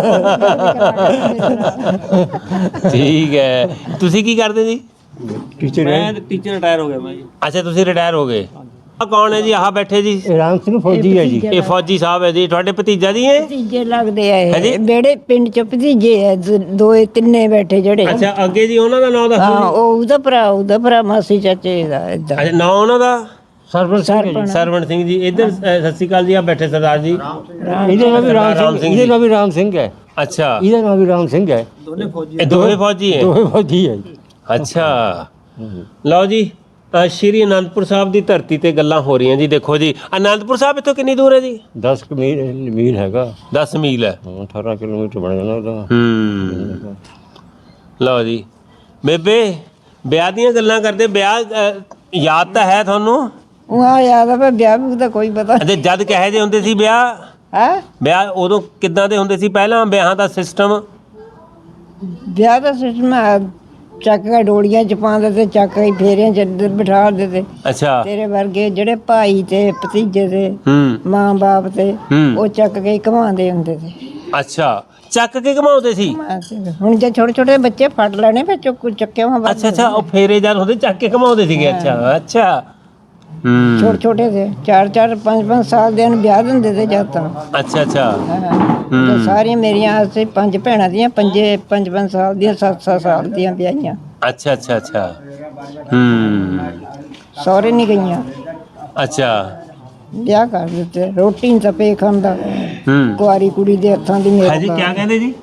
S1: ਠੀਕ ਹੈ। ਤੁਸੀਂ ਕੀ ਕਰਦੇ ਜੀ?
S2: टीचर है
S3: ਮੈਂ ਟੀਚਰ ਰਿਟਾਇਰ ਹੋ ਗਿਆ ਮੈਂ ਜੀ।
S1: ਅੱਛਾ ਤੁਸੀਂ ਰਿਟਾਇਰ ਹੋ ਗਏ। ਆ ਕੌਣ ਹੈ ਜੀ? ਆਹ ਬੈਠੇ ਜੀ
S2: राम सिंह फौजी है जी।
S1: ਇਹ ਫੌਜੀ ਸਾਹਿਬ ਹੈ ਜੀ। ਤੁਹਾਡੇ ਭਤੀਜਾ ਜੀ ਹੈ?
S4: ਭਤੀਜੇ ਲੱਗਦੇ ਆ
S1: ਹਾਂਜੀ।
S4: ਇਹ ਬੇੜੇ ਪਿੰਡ ਚ ਭਤੀਜੇ ਆ ਦ- ਦੋਏ ਤਿੰਨੇ ਬੈਠੇ ਜਿਹੜੇ
S1: ਅੱਛਾ ਅੱਗੇ ਜੀ ਉਹਨਾਂ ਦਾ ਨਾਮ ਦੱਸੋ
S4: ਹਾਂ
S1: ਜੀ।
S4: ਉਹ ਉਹਦਾ ਭਰਾ ਉਹਦਾ ਭਰਾ ਮਾਸੀ ਚਾਚੇ ਦਾ ਏਦਾਂ
S1: ਅੱਛਾ ਨਾਮ ਉਹਨਾਂ ਦਾ?
S2: सरपंच सिंह है जी।
S1: ਸਰਵਣ ਸਿੰਘ ਜੀ। ਇੱਧਰ ਅ, ਸਤਿ ਸ਼੍ਰੀ ਅਕਾਲ ਜੀ। ਆ ਬੈਠੇ ਸਰਦਾਰ ਜੀ।
S2: इधर नाम भी राम
S1: राम
S2: सिंह,
S1: सिंह
S2: इधर
S1: जी।
S2: नाम भी राम सिंह है,
S1: ਅੱਛਾ
S2: इधर नाम भी राम सिंह है।
S3: ਦੋਨੇ ਫੌਜੀ
S1: ਇਹ ਦੋਵੇਂ ਫੌਜੀ ਹੈ?
S2: दो फौजी है जी।
S1: ਅੱਛਾ ਲਓ ਜੀ ਅ, ਸ਼੍ਰੀ ਅਨੰਦਪੁਰ ਸਾਹਿਬ ਦੀ ਧਰਤੀ ਤੇ ਗੱਲਾਂ ਹੋ ਰਹੀਆਂ ਜੀ। ਦੇਖੋ ਜੀ ਅਨੰਦਪੁਰ ਸਾਹਿਬ ਇੱਥੋਂ ਕਿੰਨੀ ਦੂਰ ਹੈ ਜੀ?
S2: दस क मील मील हैगा।
S1: ਦਸ ਮੀਲ ਹੈ।
S2: हाँ, अठारह किलोमीटर बन जाना ਉਹਦਾ।
S1: ਹੂੰ ਲਓ ਜੀ ਬੇਬੇ ਵਿਆਹ ਦੀਆਂ ਗੱਲਾਂ ਕਰਦੇ। ਵਿਆਹ ਅ, ਯਾਦ ਤਾਂ ਹੈ ਤੁਹਾਨੂੰ?
S4: ਉਹ ਆ ਯਾਦ ਆ ਪਰ ਵਿਆਹ ਵੀ ਦਾ ਕੋਈ ਪਤਾ
S1: ਅਤੇ ਜਦ ਕਹੇ ਜੇ ਹੁੰਦੇ ਸੀ ਵਿਆਹ
S4: ਹੈ
S1: ਵਿਆਹ ਉਦੋਂ ਕਿੱਦਾਂ ਦੇ ਹੁੰਦੇ ਸੀ? ਪਹਿਲਾਂ ਵਿਆਹਾਂ ਦਾ ਸਿਸਟਮ
S4: ਵਿਆਹ ਦਾ ਸਿਸਟਮ ਚੱਕ ਕੇ ਡੋਲੀਆਂ ਚ ਪਾਉਂਦੇ ਤੇ ਚੱਕ ਕੇ ਫੇਰਿਆਂ ਚ ਅੰਦਰ ਬਿਠਾ ਦਿੰਦੇ ਤੇ
S1: ਅੱਛਾ
S4: ਤੇਰੇ ਵਰਗੇ ਜਿਹੜੇ ਭਾਈ ਤੇ ਭਤੀਜੇ ਤੇ
S1: ਹੂੰ
S4: ਮਾਂ ਬਾਪ ਤੇ
S1: ਹੂੰ
S4: ਉਹ ਚੱਕ ਕੇ ਹੀ ਘੁਮਾਉਂਦੇ ਹੁੰਦੇ ਸੀ।
S1: ਅੱਛਾ ਚੱਕ ਕੇ ਘਮਾਉਂਦੇ ਸੀ?
S4: ਹੁਣ ਜੇ ਛੋਟੇ ਛੋਟੇ ਬੱਚੇ ਫੜ ਲੈਣੇ ਫਿਰ ਚੁੱਕ ਚੱਕੇ ਵਾ
S1: ਅੱਛਾ ਅੱਛਾ ਉਹ ਫੇਰੇ ਜਦ ਹੁੰਦੇ ਚੱਕ ਕੇ ਘਮਾਉਂਦੇ ਸੀਗੇ। ਅੱਛਾ ਅੱਛਾ ਹੂੰ
S4: ਛੋਟੇ ਛੋਟੇ ਤੇ ਚਾਰ ਚਾਰ ਪੰਜ ਪੰਜ ਸਾਲ ਦੇ ਨੂੰ ਵਿਆਹ ਦਿੰਦੇ ਤੇ ਜਦ ਤਾਂ
S1: ਅੱਛਾ ਅੱਛਾ
S4: ਹਾਂ ਤੇ ਸਾਰੀਆਂ ਮੇਰੀਆਂ ਅਸੀਂ ਪੰਜ ਭੈਣਾਂ ਦੀਆਂ ਪੰਜੇ ਪੰਜ ਪੰਜ ਸਾਲ ਦੀਆਂ ਸੱਤ ਸੱਤ ਸਾਲ ਦੀਆਂ ਵਿਆਹੀਆਂ
S1: ਅੱਛਾ ਅੱਛਾ ਅੱਛਾ ਹੂੰ
S4: ਸਹੁਰੇ ਨਹੀਂ ਗਈਆਂ
S1: ਅੱਛਾ
S4: ਵਿਆਹ ਕਰ ਦਿੱਤੇ। ਰੋਟੀ ਨਹੀਂ ਤਾਂ ਪੇ ਖਾਂਦਾ
S1: ਹੂੰ
S4: ਕੁਆਰੀ ਕੁੜੀ ਦੇ ਹੱਥਾਂ ਦੀ ਮੇਰਾ
S1: ਹਾਂਜੀ ਕੀ
S4: ਬਾਪ-
S1: ਕਹਿੰਦੇ ਜੀ?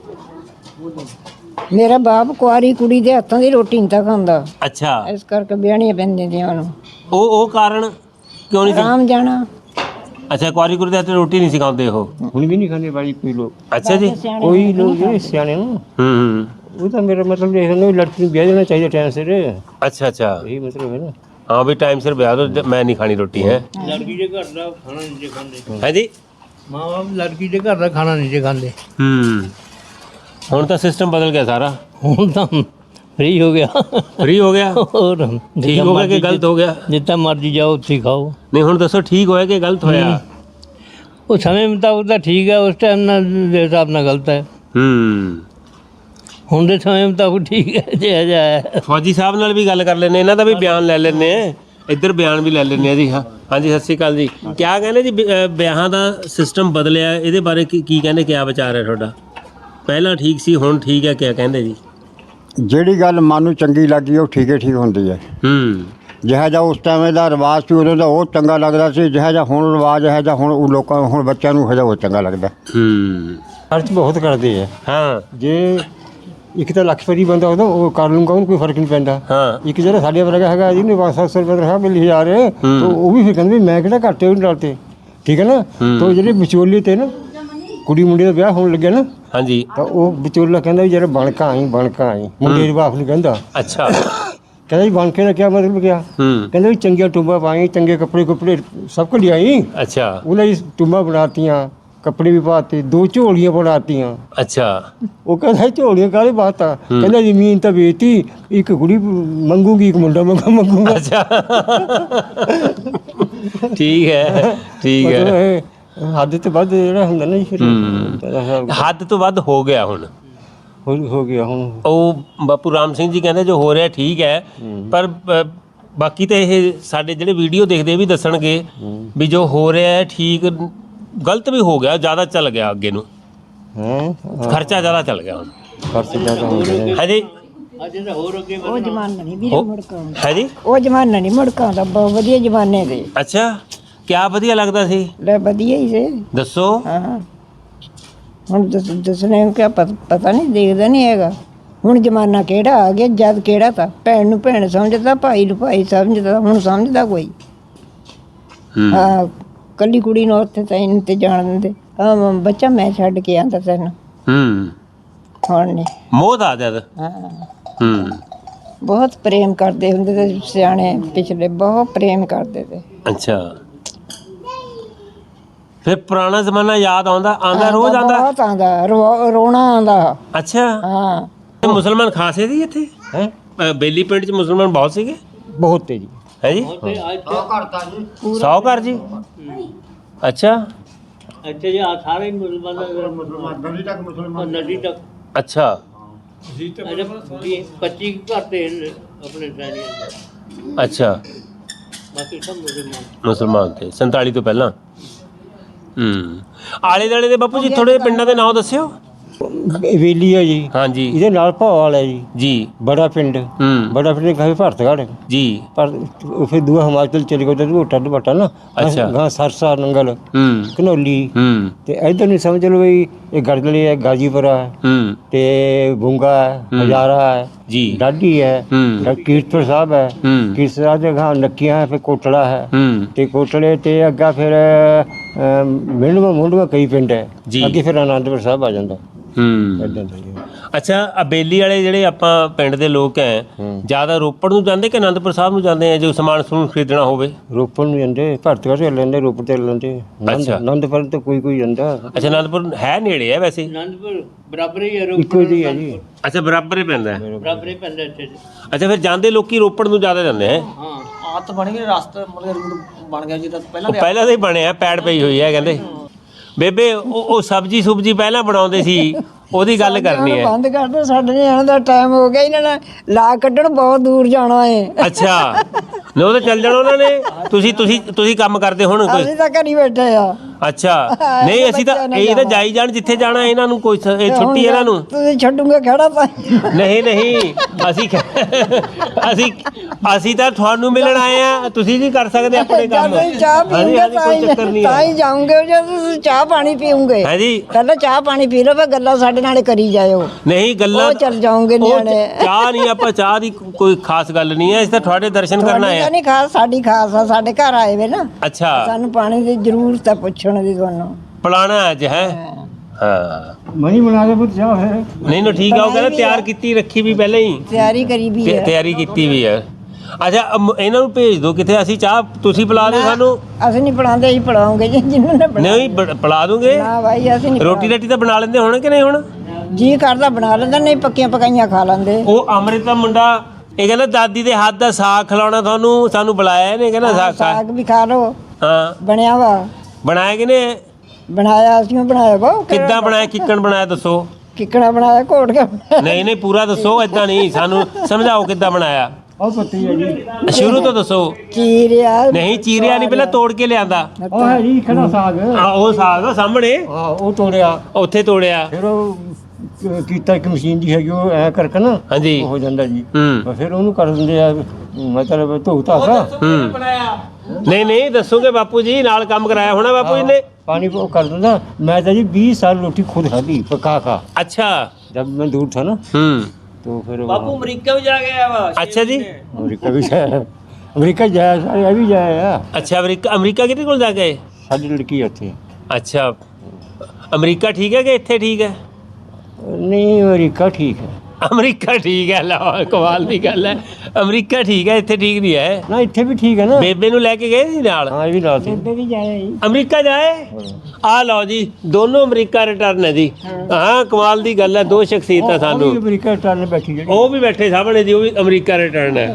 S4: ਮੇਰਾ ਬਾਪ ਕੁਆਰੀ ਕੁੜੀ ਦੇ ਹੱਥਾਂ ਦੀ ਰੋਟੀ ਨਹੀਂ ਤਾਂ ਖਾਂਦਾ।
S1: ਅੱਛਾ
S4: ਇਸ ਕਰਕੇ ਵਿਆਹਣੀਆਂ ਪੈਂਦੀਆਂ ਦੀਆਂ ਉਹਨੂੰ
S1: ਉਹ ਉਹ ਕਾਰਨ ਕਿਉਂ ਨਹੀਂ ਸੀ?
S4: ਆਰਾਮ ਜਾਣਾ
S1: ਅੱਛਾ ਕੁਆਰੀ ਕੁੜੀ ਦੇ ਹੱਥ ਰੋਟੀ ਨਹੀਂ ਸਿਖਾਉਂਦੇ ਉਹ?
S2: ਹੁਣ ਵੀ ਨਹੀਂ ਖਾਂਦੇ ਬਾਈ ਕੋਈ ਲੋਕ।
S1: ਅੱਛਾ ਜੀ
S2: ਕੋਈ ਲੋਕ ਜਿਹੜੇ ਸਿਆਣੇ ਨਾ
S1: ਹੂੰ ਹੂੰ
S2: ਉਹ ਤਾਂ ਮੇਰਾ ਮਤਲਬ ਇਹ ਹੈ ਲੜਕੀ ਨੂੰ ਵਿਆਹ ਦੇਣਾ ਚਾਹੀਦਾ ਟਾਈਮ ਸਿਰ।
S1: ਅੱਛਾ ਅੱਛਾ
S2: ਇਹੀ ਮਤਲਬ ਹੈ ਨਾ।
S1: ਹਾਂ ਵੀ ਟਾਈਮ ਸਿਰ ਵਿਆਹ ਦੋ। ਮੈਂ ਨਹੀਂ ਖਾਣੀ ਰੋਟੀ ਹੈ
S3: ਲੜਕੀ ਦੇ ਘਰ ਦਾ ਖਾਣਾ ਨਹੀਂ ਜੇ ਖਾਂਦੇ।
S1: ਹੈ ਜੀ
S3: ਮਾਂ ਬਾਪ ਲੜਕੀ ਦੇ ਘਰ ਦਾ ਖਾਣਾ ਨਹੀਂ ਜੇ ਖਾਂਦੇ।
S1: ਹੂੰ ਹੁਣ ਤਾਂ ਸਿਸਟਮ ਬਦਲ ਗਿਆ ਸਾਰਾ।
S3: ਹੁਣ ਤਾਂ ਫ੍ਰੀ ਹੋ ਗਿਆ।
S1: ਫ੍ਰੀ ਹੋ ਗਿਆ?
S3: ਹੋਰ
S1: ਠੀਕ ਹੋ ਗਿਆ ਕਿ ਗਲਤ ਹੋ ਗਿਆ?
S3: ਜਿੱਦਾਂ ਮਰਜੀ ਜਾਓ ਉੱਥੇ ਹੀ ਖਾਓ।
S1: ਨਹੀਂ ਹੁਣ ਦੱਸੋ ਠੀਕ ਹੋਇਆ ਕਿ ਗਲਤ ਹੋਇਆ?
S3: ਉਹ ਸਮੇਂ ਮੁਤਾਬਕ ਤਾਂ ਠੀਕ ਹੈ, ਉਸ ਟਾਈਮ ਨਾਲ ਦੇ ਹਿਸਾਬ ਨਾਲ ਗਲਤ ਹੈ।
S1: ਹੂੰ
S3: ਹੁਣ ਦੇ ਸਮੇਂ ਮੁਤਾਬਕ ਠੀਕ ਹੈ ਜੇ ਅਜਾ ਹੈ।
S1: ਫੌਜੀ ਸਾਹਿਬ ਨਾਲ ਵੀ ਗੱਲ ਕਰ ਲੈਂਦੇ, ਇਹਨਾਂ ਦਾ ਵੀ ਬਿਆਨ ਲੈ ਲੈਂਦੇ ਆ। ਇੱਧਰ ਬਿਆਨ ਵੀ ਲੈ ਲੈਂਦੇ ਆ ਜੀ। ਹਾਂ ਹਾਂਜੀ ਸਤਿ ਸ਼੍ਰੀ ਅਕਾਲ ਜੀ। ਕਿਆ ਕਹਿੰਦੇ ਜੀ ਵਿ- ਅ, ਵਿਆਹਾਂ ਦਾ ਸਿਸਟਮ ਬਦਲਿਆ, ਇਹਦੇ ਬਾਰੇ ਕੀ ਕੀ ਕਹਿੰਦੇ? ਕਿਆ ਵਿਚਾਰ ਹੈ ਤੁਹਾਡਾ? ਪਹਿਲਾਂ ਠੀਕ ਸੀ ਹੁਣ ਠੀਕ ਹੈ, ਕਿਆ ਕਹਿੰਦੇ ਜੀ?
S5: ਜਿਹੜੀ ਗੱਲ ਮਨ ਨੂੰ ਚੰਗੀ ਲੱਗੀ ਉਹ ਠੀਕ ਹੀ ਠੀਕ ਹੁੰਦੀ ਹੈ।
S1: ਹੂੰ
S5: ਜਿਹਾ ਜਿਹਾ ਉਸ ਟਾਈਮ ਦਾ ਰਿਵਾਜ ਸੀ ਉਦੋਂ ਦਾ ਉਹ ਚੰਗਾ ਲੱਗਦਾ ਸੀ। ਜਿਹਾ ਜਿਹਾ ਹੁਣ ਰਿਵਾਜ ਹੈ ਜਿਹਾ ਹੁਣ ਉਹ ਲੋਕਾਂ ਹੁਣ ਬੱਚਿਆਂ ਨੂੰ ਹਜਾ ਉਹ ਚੰਗਾ ਲੱਗਦਾ।
S1: ਹੂੰ
S2: ਖਰਚ ਬਹੁਤ ਕਰਦੇ ਆ।
S1: ਹਾਂ
S2: ਜੇ ਇੱਕ ਤਾਂ ਲੱਖਪਤੀ ਬੰਦਾ ਉਹਦਾ ਉਹ ਕਰ ਲੂੰਗਾ, ਉਹਨੂੰ ਕੋਈ ਫਰਕ ਨਹੀਂ ਪੈਂਦਾ।
S1: ਹਾਂ
S2: ਇੱਕ ਜਿਹੜਾ ਸਾਡੇ ਵਰਗਾ ਹੈਗਾ ਜਿਹਨੇ ਪੰਜ ਸੱਤ ਸੌ ਰੁਪਏ ਤਨਖਾਹ ਮਿਲੀ ਹਜ਼ਾਰ, ਤਾਂ ਉਹ ਵੀ ਫਿਰ ਕਹਿੰਦੇ ਵੀ ਮੈਂ ਕਿਹੜਾ ਘੱਟੇ ਉਹਨੂੰ ਡਰਤੇ। ਠੀਕ ਹੈ ਨਾ। ਤਾਂ ਜਿਹੜੇ ਵਿਚੋਲੇ ਤੇ ਨਾ ਕੁੜੀ ਮੁੰਡੇ ਦਾ ਵਿਆਹ ਹੋਣ ਲੱਗਿਆ ਨਾ,
S1: ਹਾਂਜੀ
S2: ਤਾਂ ਉਹ ਵਿਚੋਲਾ ਕਹਿੰਦਾ ਵੀ ਜਿਹੜਾ ਬਣਕਾ ਆਈ ਬਣਕਾ ਆਈ ਮੁੰਡੇ ਦੇ ਬਾਪ ਨੂੰ ਕਹਿੰਦਾ।
S1: ਅੱਛਾ
S2: ਕਹਿੰਦਾ ਜੀ ਬਣਕੇ ਦਾ ਕੀ ਮਤਲਬ ਕਿਆ?
S1: ਹੂੰ
S2: ਕਹਿੰਦਾ ਵੀ ਚੰਗੀਆਂ ਟੁੰਬਾਂ ਪਾਈ, ਚੰਗੇ ਕੱਪੜੇ ਕੁੱਪੜੇ ਸਭ ਕੁਝ ਲਿਆਈ।
S1: ਅੱਛਾ
S2: ਉਹਨਾਂ ਦੀ ਟੁੰਬਾਂ ਬਣਾਤੀਆਂ, ਕੱਪੜੇ ਵੀ ਪਾਤੇ, ਦੋ ਝੋਲੀਆਂ ਬਣਾਤੀਆਂ।
S1: ਅੱਛਾ
S2: ਉਹ ਕਹਿੰਦਾ ਇਹ ਝੋਲੀਆਂ ਕਾਹਦੇ ਬਾਤਾਂ? ਕਹਿੰਦਾ ਜ਼ਮੀਨ ਤਾਂ ਵੇਚਤੀ, ਇੱਕ ਕੁੜੀ ਮੰਗੂਗੀ, ਇੱਕ ਮੁੰਡਾ ਮੰਗਾ ਮੰਗੂਗਾ।
S1: ਅੱਛਾ ਠੀਕ ਹੈ ਠੀਕ
S2: ਮਤਲਬ
S1: ਹੈ।
S2: ਇਹ ਹੱਦ ਤੋਂ ਵੱਧ ਜਿਹੜਾ ਹੁੰਦਾ ਨਾ ਜੀ ਫਿਰ
S1: ਹੱਦ ਤੋਂ ਵੱਧ ਹੋ ਗਿਆ ਹੁਣ।
S2: ਹੋ ਹੋ ਗਿਆ ਹੁਣ।
S1: ਉਹ ਬਾਪੂ ਰਾਮ ਸਿੰਘ ਜੀ ਕਹਿੰਦੇ ਜੋ ਹੋ ਰਿਹਾ ਠੀਕ ਹੈ, ਪਰ ਬ- ਬਾਕੀ ਤਾਂ ਇਹ ਸਾਡੇ ਜਿਹੜੇ ਵੀਡੀਓ ਦੇਖਦੇ ਵੀ ਦੱਸਣਗੇ ਵੀ ਜੋ ਹੋ ਰਿਹਾ ਹੈ ਠੀਕ, ਗਲਤ ਵੀ ਹੋ ਗਿਆ, ਜ਼ਿਆਦਾ ਚੱਲ ਗਿਆ ਅੱਗੇ ਨੂੰ,
S2: ਹੈ
S1: ਖਰਚਾ ਜ਼ਿਆਦਾ ਚੱਲ ਗਿਆ ਹੁਣ।
S2: ਖਰਚ ਜ਼ਿਆਦਾ ਹੋ ਗਿਆ।
S1: ਹਾਂਜੀ
S3: ਅੱਜ ਤਾਂ ਹੋਰ ਅੱਗੇ
S4: ਉਹ ਜ਼ਮਾਨਾ ਨਹੀਂ ਵੀਰੇ ਮੁੜਕਾ ਆਉਂਦਾ।
S1: ਹੈ ਜੀ
S4: ਉਹ ਜ਼ਮਾਨਾ ਨਹੀਂ ਮੁੜਕਾ ਆਉਂਦਾ। ਬਹੁਤ ਵਧੀਆ ਜ਼ਮਾਨੇ ਦੇ।
S1: ਅੱਛਾ ਕਿਆ ਵਧੀਆ ਲੱਗਦਾ ਸੀ?
S4: ਲੈ ਵਧੀਆ ਹੀ ਸੀ।
S1: ਦੱਸੋ।
S4: ਹਾਂ ਹੁਣ ਦੱਸ ਦੱਸਣੇ ਨੂੰ ਕਿਆ ਪਤ- ਪਤਾ ਨਹੀਂ, ਦੇਖਦਾ ਨਹੀਂ ਹੈਗਾ। ਹੁਣ ਜ਼ਮਾਨਾ ਕਿਹੜਾ ਆ ਗਿਆ, ਜਦ ਕਿਹੜਾ ਤਾਂ ਭੈਣ ਨੂੰ ਭੈਣ ਸਮਝਦਾ, ਭਾਈ ਨੂੰ ਭਾਈ ਸਮਝਦਾ। ਹੁਣ ਸਮਝਦਾ ਕੋਈ?
S1: ਹੂੰ
S4: ਹਾਂ ਕੱਲੀ ਕੁੜੀ ਨੂੰ ਉੱਥੇ ਤਾਂ ਇਹਨੂੰ ਤੇ ਜਾਣ ਦਿੰਦੇ। ਹਾਂ ਬੱਚਾ ਮੈਂ ਛੱਡ ਕੇ ਆਂਦਾ ਤੈਨੂੰ।
S1: ਹੂੰ
S4: ਹੁਣ ਨਹੀਂ।
S1: ਮੋਹ ਦਾ ਜਦ
S4: ਹਾਂ
S1: ਹੂੰ
S4: ਬਹੁਤ ਪ੍ਰੇਮ ਕਰਦੇ ਹੁੰਦੇ ਤੇ ਸਿਆਣੇ ਪਿਛਲੇ ਬਹੁਤ ਪ੍ਰੇਮ ਕਰਦੇ ਤੇ
S1: ਅੱਛਾ ਫਿਰ ਪੁਰਾਣਾ ਜ਼ਮਾਨਾ ਯਾਦ ਆਉਂਦਾ ਆਉਂਦਾ ਰੋਜ਼ ਆਉਂਦਾ
S4: ਬਹੁਤ ਆਉਂਦਾ ਰੋ- ਰੋਣਾ ਆਉਂਦਾ
S1: ਅੱਛਾ
S4: ਹਾਂ
S1: ਤੇ ਮੁਸਲਮਾਨ ਖਾਸੇ ਸੀ ਇੱਥੇ
S2: ਹੈ
S1: ਅ, ਬੇਲੀ ਪਿੰਡ 'ਚ ਮੁਸਲਮਾਨ ਬਹੁਤ ਸੀਗੇ
S2: ਬਹੁਤ ਤੇਜੀ
S1: ਹੈ ਜੀ ਸੌ ਘਰ ਜੀ ਅੱਛਾ
S3: ਅੱਛਾ ਜੀ ਆ ਸਾਰੇ ਮੁਸਲਮਾਨ
S5: ਨਦੀ ਤੱਕ ਮੁਸਲਮਾਨ
S3: ਨਦੀ ਤੱਕ
S1: ਅੱਛਾ
S3: ਅਜੇ ਪੱਚੀ ਘਰ ਤੇ ਆਪਣੇ ਸੈਨੀਆਂ
S1: ਅੱਛਾ
S3: ਬਾਕੀ ਸਭ ਮੁਸਲਮਾਨ
S1: ਮੁਸਲਮਾਨ ਤੇ ਸੰਤਾਲੀ ਤੋਂ ਪਹਿਲਾਂ ਹੂੰ ਆਲੇ ਦੁਆਲੇ ਦੇ ਬਾਪੂ ਜੀ ਥੋੜੇ ਪਿੰਡਾਂ ਦੇ ਨਾਮ ਦੱਸਿਓ
S2: ਵੇਲੀ ਹੈ ਜੀ,
S1: ਹਾਂਜੀ
S2: ਇਹਦੇ ਨਾਲ ਭੌਵਾਲ ਹੈ ਜੀ,
S1: ਜੀ
S2: ਬੜਾ ਪਿੰਡ
S1: ਹੂੰ
S2: ਬੜਾ ਪਿੰਡ ਕਹੇ ਭਰਤਗੜ੍ਹ
S1: ਜੀ
S2: ਪਰ ਉਹ ਫਿਰ ਦੂਆ ਹਿਮਾਚਲ ਚਲੇ ਗਏ ਤੇ ਢੋਟਾ ਢੋਟਾ ਨਾ
S1: ਅੱਛਾ।
S2: ਗਾਂ ਸਰਸਾ ਨੰਗਲ
S1: ਹੂੰ
S2: ਘਨੌਲੀ
S1: ਹੂੰ
S2: ਤੇ ਇਧਰ ਨਹੀਂ ਸਮਝ ਲਓ ਵੀ ਇਹ ਗੜਗਲੀ ਹੈ, ਗਾਜੀਪੁਰਾ ਹੈ
S1: ਹੂੰ
S2: ਤੇ ਗੁੰਗਾ ਹੈ, ਹਜ਼ਾਰਾ ਹੈ,
S1: ਜੀ
S2: ਡਾਢੀ ਹੈ,
S1: ਹੂੰ
S2: ਫਿਰ ਕੀਰਤਪੁਰ ਸਾਹਿਬ ਹੈ,
S1: ਹੂੰ
S2: ਕੀਰਤਪੁਰ ਸਾਹਿਬ ਦੇ ਗਾਂ ਨੱਕੀਆਂ ਹੈ, ਫਿਰ ਕੋਟੜਾ ਹੈ
S1: ਹੂੰ
S2: ਤੇ ਕੋਟੜੇ ਤੇ ਅੱਗਾ ਫਿਰ ਮਿੰਡਵਾ ਮੁੰਡਵਾ ਕਈ ਪਿੰਡ ਹੈ
S1: ਜੀ।
S2: ਅੱਗੇ ਫਿਰ ਆਨੰਦਪੁਰ ਸਾਹਿਬ ਆ ਜਾਂਦਾ
S1: ਹੂੰ
S2: ਏਦਾਂ ਦਾ ਜੀ।
S1: ਅੱਛਾ ਆ ਬੇਲੀ ਵਾਲੇ ਜਿਹੜੇ ਆਪਾਂ ਪਿੰਡ ਦੇ ਲੋਕ ਹੈ ਜ਼ਿਆਦਾ ਰੋਪੜ ਨੂੰ ਜਾਂਦੇ ਕਿ ਆਨੰਦਪੁਰ ਸਾਹਿਬ ਨੂੰ ਜਾਂਦੇ ਆ ਜੋ ਸਮਾਨ ਸਮੂਨ ਖਰੀਦਣਾ ਹੋਵੇ
S2: ਰੋਪੜ ਨੂੰ ਜਾਂਦੇ ਭਰਤਗੜ੍ਹ ਤੇ ਲੈਂਦੇ ਰੋਪੜ ਤੇ ਲੈਂਦੇ
S1: ਅੱਛਾ।
S2: ਆਨੰਦਪੁਰ ਤੇ ਕੋਈ ਕੋਈ ਜਾਂਦਾ
S1: ਅੱਛਾ ਆਨੰਦਪੁਰ ਹੈ ਨੇੜੇ ਹੈ ਵੈਸੇ
S3: ਅਨੰਦਪੁਰ ਬਰਾਬਰ ਹੀ ਹੈ
S2: ਇੱਕੋ ਜੀ ਹੈ ਜੀ
S1: ਅੱਛਾ ਬਰਾਬਰ ਹੀ ਪੈਂਦਾ ਹੈ
S3: ਬਰਾਬਰ ਹੀ ਪੈਂਦਾ ਇੱਥੇ ਜੀ।
S1: ਅੱਛਾ ਫਿਰ ਜਾਂਦੇ ਲੋਕੀ ਰੋਪੜ ਨੂੰ ਜ਼ਿਆਦਾ ਜਾਂਦੇ ਹੈ
S3: ਹਾਂ
S6: ਆਤ ਬਣ ਗਈ ਰਸਤਾ ਮਤਲਬ ਰੂਟ ਬਣ ਗਿਆ ਜਿੱਦਾਂ ਪਹਿਲਾਂ
S1: ਉਹ ਪਹਿਲਾਂ ਤਾਂ ਹੀ ਬਣਿਆ ਪੈੜ ਪਈ ਹੋਈ ਹੈ ਕਹਿੰਦੇ ਬੇਬੇ ਉਹ ਉਹ ਸਬਜੀ ਸੁਬਜੀ ਪਹਿਲਾਂ ਬਣਾਉਂਦੇ ਸੀ ਉਹਦੀ ਗੱਲ ਕਰਨੀ ਹੈ
S4: ਬੰਦ ਕਰ ਦੋ ਸਾਡੇ ਨਿਆਣੇ ਦਾ ਟਾਈਮ ਹੋ ਗਿਆ ਇਹਨਾਂ ਨੇ ਲਾ ਕੱਢਣ ਬਹੁਤ ਦੂਰ ਜਾਣਾ ਏ
S1: ਅੱਛਾ ਨੇ ਉਹ ਤਾਂ ਚੱਲ ਜਾਣਾ ਉਹਨਾਂ ਨੇ ਤੁਸੀਂ ਤੁਸੀਂ ਤੁਸੀਂ ਕੰਮ ਕਰਦੇ ਹੁਣ ਕੋਈ
S4: ਅਸੀਂ ਤਾਂ ਘਰੀ ਬੈਠੇ ਆ
S1: ਅੱਛਾ ਨਹੀਂ ਅਸੀਂ ਤਾਂ ਇਹ ਤਾਂ ਜਾਈ ਜਾਣ ਜਿੱਥੇ ਜਾਣਾ ਇਹਨਾਂ ਨੂੰ ਕੋਈ ਸ- ਇਹ ਛੁੱਟੀ ਇਹਨਾਂ ਨੂੰ
S4: ਤੁਸੀਂ ਛੱਡੂਗੇ ਖੜਾ ਤਾਂ
S1: ਨਹੀਂ ਨਹੀਂ ਅਸੀਂ ਖ- ਅਸੀਂ ਅਸੀਂ ਤਾਂ ਤੁਹਾਨੂੰ ਮਿਲਣ ਆਏ ਆ ਤੁਸੀਂ ਵੀ ਕਰ ਸਕਦੇ ਆਪਣੇ ਕੰਮ
S4: ਜਦ ਤੁਸੀਂ ਚਾਹ
S1: ਹਾਂਜੀ,
S4: ਪੀਉਂਗੇ
S1: ਹਾਂਜੀ,
S4: ਤਾਂ
S1: ਕੋਈ
S4: ਹੀ
S1: ਚੱਕਰ ਨਹੀਂ
S4: ਤਾਂ
S1: ਹੈ
S4: ਹੀ ਜਾਉਂਗੇ ਜਦ ਤੁਸੀਂ ਚਾਹ ਪਾਣੀ ਪੀਉਂਗੇ
S1: ਹੈ ਜੀ
S4: ਪਹਿਲਾਂ ਚਾਹ ਪਾਣੀ ਪੀ ਲਓ ਫਿਰ ਗੱਲਾਂ ਸਾਡੇ ਨਾਲ ਕਰੀ ਜਾਇਓ
S1: ਨਹੀਂ ਗੱਲਾਂ
S4: ਉਹ ਚੱਲ ਜਾਓਗੇ
S1: ਉਹ
S4: ਨਿਆਣੇ
S1: ਚਾਹ ਨਹੀਂ ਆਪਾਂ ਚਾਹ ਦੀ ਕੋਈ ਖਾਸ ਗੱਲ ਨਹੀਂ ਹੈ ਅਸੀਂ ਤਾਂ ਤੁਹਾਡੇ ਦਰਸ਼ਨ ਕਰਨ ਆਏ
S4: ਤੁਹਾਡੀ
S1: ਆ
S4: ਤਾਂ ਨਹੀਂ ਖਾਸ ਸਾਡੀ ਖਾਸ ਆ ਸਾਡੇ ਘਰ ਆਏ ਵੇ ਨਾ
S1: ਅੱਛਾ
S4: ਸਾਨੂੰ ਪਾਣੀ ਦੀ ਜ਼ਰੂਰਤ ਆ ਪੁੱਛਣ ਦੀ ਤੁਹਾਨੂੰ
S1: ਪਲਾਣਾ ਅੱਜ ਹੈ ਹਾਂ
S2: ਮਣੀ ਬਣਾ ਦੇ ਪੁੱਤ ਚਾਹ ਹੈ
S1: ਨਹੀਂ ਨਾ ਠੀਕ ਆ ਉਹ ਕਹਿੰਦਾ ਤਿਆਰ ਕੀਤੀ ਰੱਖੀ ਵੀ ਪਹਿਲਾਂ ਹੀ
S4: ਤਿਆਰੀ ਕਰੀ ਵੀ
S1: ਤੇ-
S4: ਹੈ
S1: ਤਿਆਰੀ ਕੀਤੀ ਵੀ ਹੈ ਅੱਛਾ ਅਮ- ਇਹਨਾਂ ਨੂੰ ਭੇਜ ਦਿਓ ਕਿਤੇ ਅਸੀਂ ਚਾਹ ਤੁਸੀਂ ਪਿਲਾ ਦਿਓ ਸਾਨੂੰ
S4: ਅਸੀਂ ਨਹੀਂ ਪੜਾਉਂਦੇ ਅਸੀਂ ਪੜਾਉਂਗੇ ਜੀ ਜਿੰਨਾਂ ਨੇ ਬਣਾ
S1: ਨਹੀਂ ਬ- ਪਿਲਾ ਦੋਗੇ
S4: ਨਾ ਭਾਈ ਅਸੀਂ ਨਹੀਂ
S1: ਰੋਟੀ ਰਾਟੀ ਤਾਂ ਬਣਾ ਲੈਂਦੇ ਹੁਣ ਕਿ ਨਹੀਂ ਹੁਣ
S4: ਜੀ ਕਰਦਾ ਬਣਾ ਲੈਂਦਾ ਨਹੀਂ ਪੱਕੀਆਂ ਪਕਾਈਆਂ ਖਾ ਲੈਂਦੇ
S1: ਉਹ ਅੰਮ੍ਰਿਤ ਦਾ ਮੁੰਡਾ ਇਹ ਕਹਿੰਦਾ ਦਾਦੀ ਦੇ ਹੱਥ ਦਾ ਸਾਗ ਖਿਲਾਉਣਾ ਤੁਹਾਨੂੰ ਸਾਨੂੰ ਬੁਲਾਇਆ ਇਹਨੇ ਕਹਿੰਦਾ ਸਾਗ ਖਾ
S4: ਸਾਗ ਵੀ ਖਾ ਲਓ
S1: ਹਾਂ
S4: ਬਣਿਆ ਵਾ
S1: ਬਣਾਇਆ ਕਿਨੇ
S4: ਬਣਾਇਆ ਅਸੀਂ ਬਣਾਇਆ ਵਾ
S1: ਕਿੱਦਾਂ ਬਣਾਇਆ ਕਿੱਕਣ ਬਣਾਇਆ ਦੱਸੋ
S4: ਕਿੱਕਣਾ ਬਣਾਇਆ ਘੋਟ ਕੇ ਬਣਾਇਆ।
S1: ਨਹੀਂ ਨਹੀਂ ਪੂਰਾ ਦੱਸੋ ਏਦਾਂ ਨਹੀਂ ਸਾਨੂੰ ਸਮਝਾਓ ਕਿੱਦਾਂ ਬਣਾਇਆ
S2: ਉਹ ਪੱਤੀ ਹੈ ਜੀ
S1: ਸ਼ੁਰੂ ਤੋਂ ਦੱਸੋ
S4: ਚੀਰਿਆ
S1: ਨਹੀਂ ਚੀਰਿਆ ਨਹੀਂ ਪਹਿਲਾਂ ਤੋੜ ਕੇ ਲਿਆਂਦਾ
S2: ਉਹ ਹੈ ਜੀ ਖੜਾ ਸਾਗ
S1: ਆ ਉਹ ਸਾਗ ਆ ਸਾਹਮਣੇ
S2: ਹਾਂ ਉਹ ਤੋੜਿਆ
S1: ਉੱਥੇ ਤੋੜਿਆ
S2: ਫਿਰ ਉਹ ਕ- ਕੀਤਾ ਇੱਕ ਮਸ਼ੀਨ ਦੀ ਹੈਗੀ ਉਹ ਐ ਕਰਕੇ ਨਾ
S1: ਹਾਂਜੀ
S2: ਉਹ ਹੋ ਜਾਂਦਾ ਜੀ
S1: ਹੂੰ
S2: ਬਸ ਫਿਰ ਉਹਨੂੰ ਕਰ ਦਿੰਦੇ ਆ ਮਤਲਬ ਧੋ ਧਾਸਾ
S1: ਹੂੰ ਨਹੀਂ ਨਹੀਂ ਦੱਸੋਗੇ ਬਾਪੂ ਜੀ ਨਾਲ ਕੰਮ ਕਰਾਇਆ ਹੋਣਾ ਬਾਪੂ ਜੀ ਨੇ
S2: ਪਾਣੀ ਉਹ ਕਰ ਦਿੰਦਾ ਮੈਂ ਤਾਂ ਜੀ बीस साल रोटी खुद खाधी पका का
S1: अच्छा
S2: जब मैं दूर था ना
S1: हम्म
S2: तो फिर
S6: ਬਾਪੂ ਅਮਰੀਕਾ ਵੀ ਜਾ ਕੇ ਆਇਆ ਵਾ
S1: अच्छा जी
S2: अमरीका भी जाया अमरीका जाया सारे अभी जाया
S1: अच्छा अमरीका अमरीका कितने कोल जा गए
S2: साडी लड़की है उत्थे
S1: अच्छा अमरीका ठीक है कि इत्थे ठीक है
S2: नहीं अमरीका ठीक है
S1: अमरीका ठीक है लो कमाल की गल है अमरीका ठीक है इत्थे ठीक नहीं है
S2: ना इत्थे भी ठीक है ना
S1: बेबे नु लेके गए ਸੀ ਨਾਲ
S2: हाँ ये भी लाल थे
S4: ਬੇਬੇ ਵੀ ਜਾਇਆ ਜੀ
S1: ਅਮਰੀਕਾ ਜਾਏ ਆ ਲਓ ਜੀ ਦੋਨੋਂ ਅਮਰੀਕਾ ਰਿਟਰਨ ਹੈ ਜੀ ਹਾਂ ਕਮਾਲ ਦੀ ਗੱਲ ਹੈ ਦੋ ਸ਼ਖਸੀਅਤਾਂ ਸਾਨੂੰ
S2: अमरीका टाल बैठी जी
S1: ਉਹ ਵੀ ਬੈਠੇ ਸਾਹਮਣੇ ਜੀ ਉਹ ਵੀ ਅਮਰੀਕਾ ਰਿਟਰਨ ਹੈ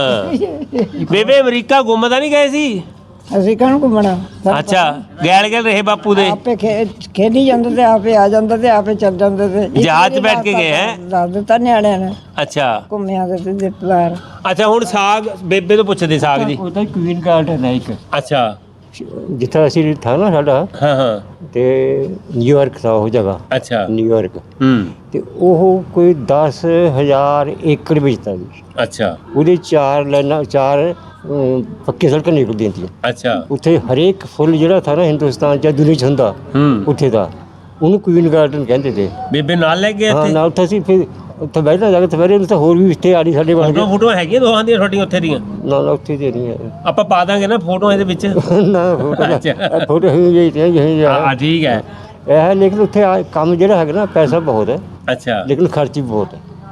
S1: ਹਾਂ ਬੇਬੇ ਅਮਰੀਕਾ ਘੁੰਮਦਾ ਨਹੀਂ ਗਏ ਸੀ
S4: ਅਸੀਂ ਕਾਹਨੂੰ ਘੁੰਮਣਾ
S1: ਅੱਛਾ ਗੈਲ ਗੈਲ ਰਹੇ ਬਾਪੂ ਦੇ
S4: ਆਪੇ ਖੇ- ਖੇਡੀ ਜਾਂਦੇ ਤੇ ਆਪੇ ਆ ਜਾਂਦੇ ਤੇ ਆਪੇ ਚੱਲ ਜਾਂਦੇ ਤੇ ਇੱਕ
S1: ਜਹਾਜ਼ 'ਚ
S4: ਵਾਰੀ
S1: ਬੈਠ ਕੇ ਗਏ ਹੈਂ?
S4: ਦੱਸ ਦਿੱਤਾ ਨਿਆਣਿਆਂ ਨੇ
S1: ਅੱਛਾ
S4: ਘੁੰਮਿਆ ਦੇ ਤੇ ਦਿੱਤਦਾਰ
S1: ਅੱਛਾ ਹੁਣ ਸਾਗ ਬੇਬੇ ਤੋਂ ਪੁੱਛਦੇ ਸਾਗ ਜੀ
S2: ਉਹਦਾ ਕੁਈਨ ਗਾਰਡਨ ਹੈ ਇੱਕ
S1: ਅੱਛਾ
S2: ਜਿੱਥੇ ਅਸੀਂ ਥਾ ਨਾ ਸਾਡਾ
S1: ਹਾਂ ਹਾਂ
S2: ਤੇ ਨਿਊਯਾਰਕ ਥਾ ਉਹ ਜਗ੍ਹਾ
S1: ਅੱਛਾ
S2: ਨਿਊਯਾਰਕ
S1: ਹੂੰ
S2: ਤੇ ਉਹ ਕੋਈ ਦਸ ਹਜ਼ਾਰ ਏਕੜ ਵਿੱਚ ਤਾ ਜੀ
S1: ਅੱਛਾ
S2: ਉਹਦੇ ਚਾਰ ਲਾਈਨਾਂ ਚਾਰ ਅਮ, ਪੱਕੀ ਸੜਕਾਂ ਨਿਕਲਦੀਆਂ ਸੀ
S1: ਅੱਛਾ
S2: ਉੱਥੇ ਹਰੇਕ ਫੁੱਲ ਜਿਹੜਾ ਥਾ ਨਾ ਹਿੰਦੁਸਤਾਨ ਚ ਦੁਨੀਆ ਚ ਹੁੰਦਾ
S1: ਹੂੰ
S2: ਉੱਥੇ ਦਾ ਉਹਨੂੰ ਕੁਈਨ ਗਾਰਡਨ ਕਹਿੰਦੇ ਤੇ
S1: ਬੇਬੇ ਨਾਲ ਲੈ ਕੇ
S2: ਹਾਂ
S1: ਇੱਥੇ
S2: ਨਾ ਉੱਥੇ ਅਸੀਂ ਫਿਰ ਉੱਥੇ ਬੈਠਣਾ ਜਾ ਕੇ ਸਵੇਰੇ ਨੂੰ ਤਾਂ ਹੋਰ ਵੀ ਰਿਸ਼ਤੇ ਆੜੀ ਸਾਡੇ ਬਣ
S1: ਫੋਟੋ
S2: ਗਏ
S1: ਫੋਟੋ ਹੈਗੀਆਂ ਦੋਹਾਂ ਦੀਆਂ ਤੁਹਾਡੀਆਂ ਉੱਥੇ ਦੀਆਂ
S2: ਨਾ ਨਾ ਉੱਥੇ ਦੇ ਨਹੀਂ ਹੈ
S1: ਆਪਾਂ ਪਾ ਦਾਂਗੇ ਨਾ ਫੋਟੋ ਇਹਦੇ ਵਿੱਚ
S2: ਨਾ ਫੋਟੋ
S1: ਅੱਛਾ।
S2: ਫੋਟੋ ਹੀ ਜਿਹੀ ਤੇ ਜਿਹੀ
S1: ਹਾਂ ਠੀਕ ਹੈ
S2: ਇਹ ਹੈ ਲੇਕਿਨ ਉੱਥੇ ਆ- ਕੰਮ ਜਿਹੜਾ ਹੈਗਾ ਨਾ ਪੈਸਾ ਬਹੁਤ ਹੈ
S1: ਅੱਛਾ
S2: ਲੇਕਿਨ ਖਰਚ ਵੀ ਬਹੁਤ ਹੈ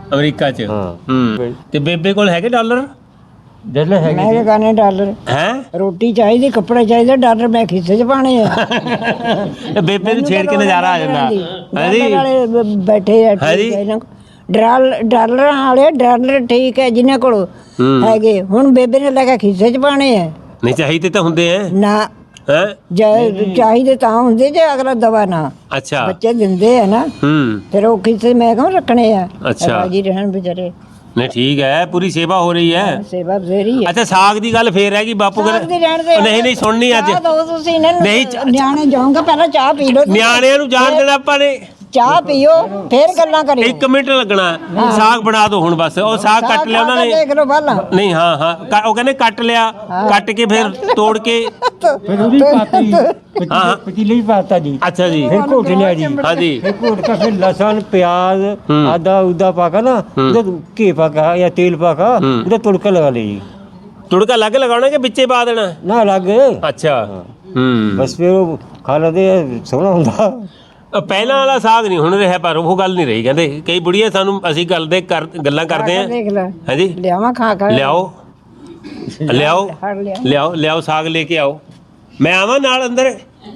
S1: ਅਮਰੀਕਾ 'ਚ
S2: ਹਾਂ।
S1: ਹੂੰ ਤੇ ਬੇਬੇ ਕੋਲ ਹੈਗੇ ਡਾਲਰ
S2: ਡਾਲਰ ਹੈਗੇ
S4: ਮੈਂ ਕਿਹਾ ਗਾਣੇ ਡਾਲਰ
S1: ਹੈ
S4: ਰੋਟੀ ਚਾਹੀਦੀ ਕੱਪੜੇ ਚਾਹੀਦੇ ਡਾਲਰ ਮੈਂ ਖਿੱਸੇ 'ਚ ਪਾਣੇ ਆ
S1: ਬੇਬੇ ਨੂੰ ਛੇੜ ਕੇ ਨਜ਼ਾਰਾ ਆ ਜਾਂਦਾ ਹਾਂਜੀ
S4: ਡਾਲਰ ਵਾਲੇ ਬ- ਬੈਠੇ ਆ
S1: ਹਾਂਜੀ।
S4: ਠੀਕ ਹੈ ਇਹਨਾਂ ਕੋਲ। ਡਾਲ ਡਾਲਰਾਂ ਵਾਲੇ ਡਾਲਰ ਠੀਕ ਹੈ ਜਿਨ੍ਹਾਂ ਕੋਲ ਹੈਗੇ ਹੁਣ ਬੇਬੇ ਨੇ ਲੈ ਕੇ ਖਿੱਸੇ 'ਚ ਪਾਣੇ ਆ
S1: ਨਹੀਂ ਚਾਹੀਦੇ ਤਾਂ ਹੁੰਦੇ ਐ
S4: ਨਾ
S1: ਹੈ
S4: ਜੇ ਚਾਹੀਦੇ ਤਾਂ ਹੁੰਦੇ ਜੇ ਅਗਲਾ ਦਵਾ ਨਾ
S1: ਅੱਛਾ
S4: ਬੱਚੇ ਦਿੰਦੇ ਆ ਨਾ
S1: ਹੂੰ
S4: ਫਿਰ ਉਹ ਖਿੱਸੇ ਮੈਂ ਕਿਉਂ ਰੱਖਣੇ ਆ
S1: ਅੱਛਾ।
S4: ਰਾਜੀ ਰਹਿਣ ਵਿਚਾਰੇ
S1: ਨਹੀਂ ਠੀਕ ਹੈ ਪੂਰੀ ਸੇਵਾ ਹੋ ਰਹੀ ਹੈ
S4: ਸੇਵਾ ਬਥੇਰੀ ਹੈ
S1: ਅੱਛਾ ਸਾਗ ਦੀ ਗੱਲ ਫੇਰ ਹੈਗੀ ਬਾਪੂ
S4: ਸਾਗ ਦੀ ਰਹਿਣ ਦੇ
S1: ਕਹਿੰਦੇ ਨਹੀਂ ਨਹੀਂ ਸੁਣਨੀ ਅੱਜ
S4: ਚਾਹ ਦਿਓ ਤੁਸੀਂ ਇਹਨਾਂ ਨੂੰ
S1: ਨਹੀਂ, ਚਾਹ-
S4: ਨਿਆਣੇ ਜਾਊਂਗਾ ਪਹਿਲਾਂ ਚਾਹ ਪੀ ਲਓ ਤੁਸੀਂ।
S1: ਨਿਆਣਿਆਂ ਨੂੰ ਜਾਣ ਦੇਣਾ ਆਪਾਂ ਨੇ
S4: ਚਾਹ ਪੀਓ ਫੇਰ ਗੱਲਾਂ ਕਰਿਓ
S1: ਇੱਕ ਮਿੰਟ ਲੱਗਣਾ ਸਾਗ ਬਣਾ ਦਿਓ ਹੁਣ ਬਸ ਉਹ ਸਾਗ ਕੱਟ ਲਿਆ ਉਹਨਾਂ ਨੇ
S4: ਦੇਖ ਲਓ ਪਹਿਲਾਂ
S1: ਨਹੀਂ ਹਾਂ ਹਾਂ ਕ- ਉਹ ਕਹਿੰਦੇ ਕੱਟ ਲਿਆ ਕੱਟ ਕੇ ਫਿਰ ਤੋੜ ਕੇ
S2: ਫਿਰ ਉਹਦੀ ਪਾਤੀ
S1: ਹਾਂ।
S2: ਪਤੀਲੇ ਵੀ ਪਾਤਾ ਜੀ
S1: ਅੱਛਾ ਜੀ
S2: ਫਿਰ ਘੋਟ ਲਿਆ ਜੀ
S1: ਹਾਂਜੀ
S2: ਫਿਰ ਘੋਟ ਕੇ ਫਿਰ ਲਸਣ ਪਿਆਜ਼ ਆਦਾ ਉਦਾ ਪਾ ਕੇ ਨਾ ਉਹਦਾ ਘੀ ਪਾ ਕੇ ਜਾਂ ਤੇਲ ਪਾ ਕੇ ਉਹਦਾ ਤੜਕਾ ਲਗਾ ਲਈ ਜੀ
S1: ਤੁੜਕਾ ਲੱਗ ਲਗਾਉਣਾ ਕਿ ਵਿੱਚੇ ਪਾ ਦੇਣਾ
S2: ਨਾ ਲੱਗ
S1: ਅੱਛਾ ਹੂੰ
S2: ਬਸ ਫਿਰ ਉਹ ਖਾ ਲੈਂਦੇ ਆ, ਸੋਹਣਾ ਹੁੰਦਾ
S1: ਅ, ਪਹਿਲਾਂ ਵਾਲਾ ਸਾਗ ਨਹੀਂ ਹੁਣ ਰਿਹਾ ਪਰ ਉਹ ਗੱਲ ਨਹੀਂ ਰਹੀ ਕਹਿੰਦੇ ਕਈ ਬੁੜੀਆਂ ਸਾਨੂੰ ਅਸੀਂ ਗੱਲ ਦੇ ਕਰ ਗੱਲਾਂ ਕਰਦੇ ਆ
S4: ਦੇਖ ਲੈ
S1: ਹਾਂਜੀ
S4: ਲਿਆਵਾਂ ਖਾ ਖਾ
S1: ਲਿਆਓ ਲਿਆਓ
S4: ਫੜ ਲਿਆ
S1: ਲਿਆਓ ਲਿਆਓ ਸਾਗ ਲੈ ਕੇ ਆਓ ਮੈਂ ਆਵਾਂ ਨਾਲ ਅੰਦਰ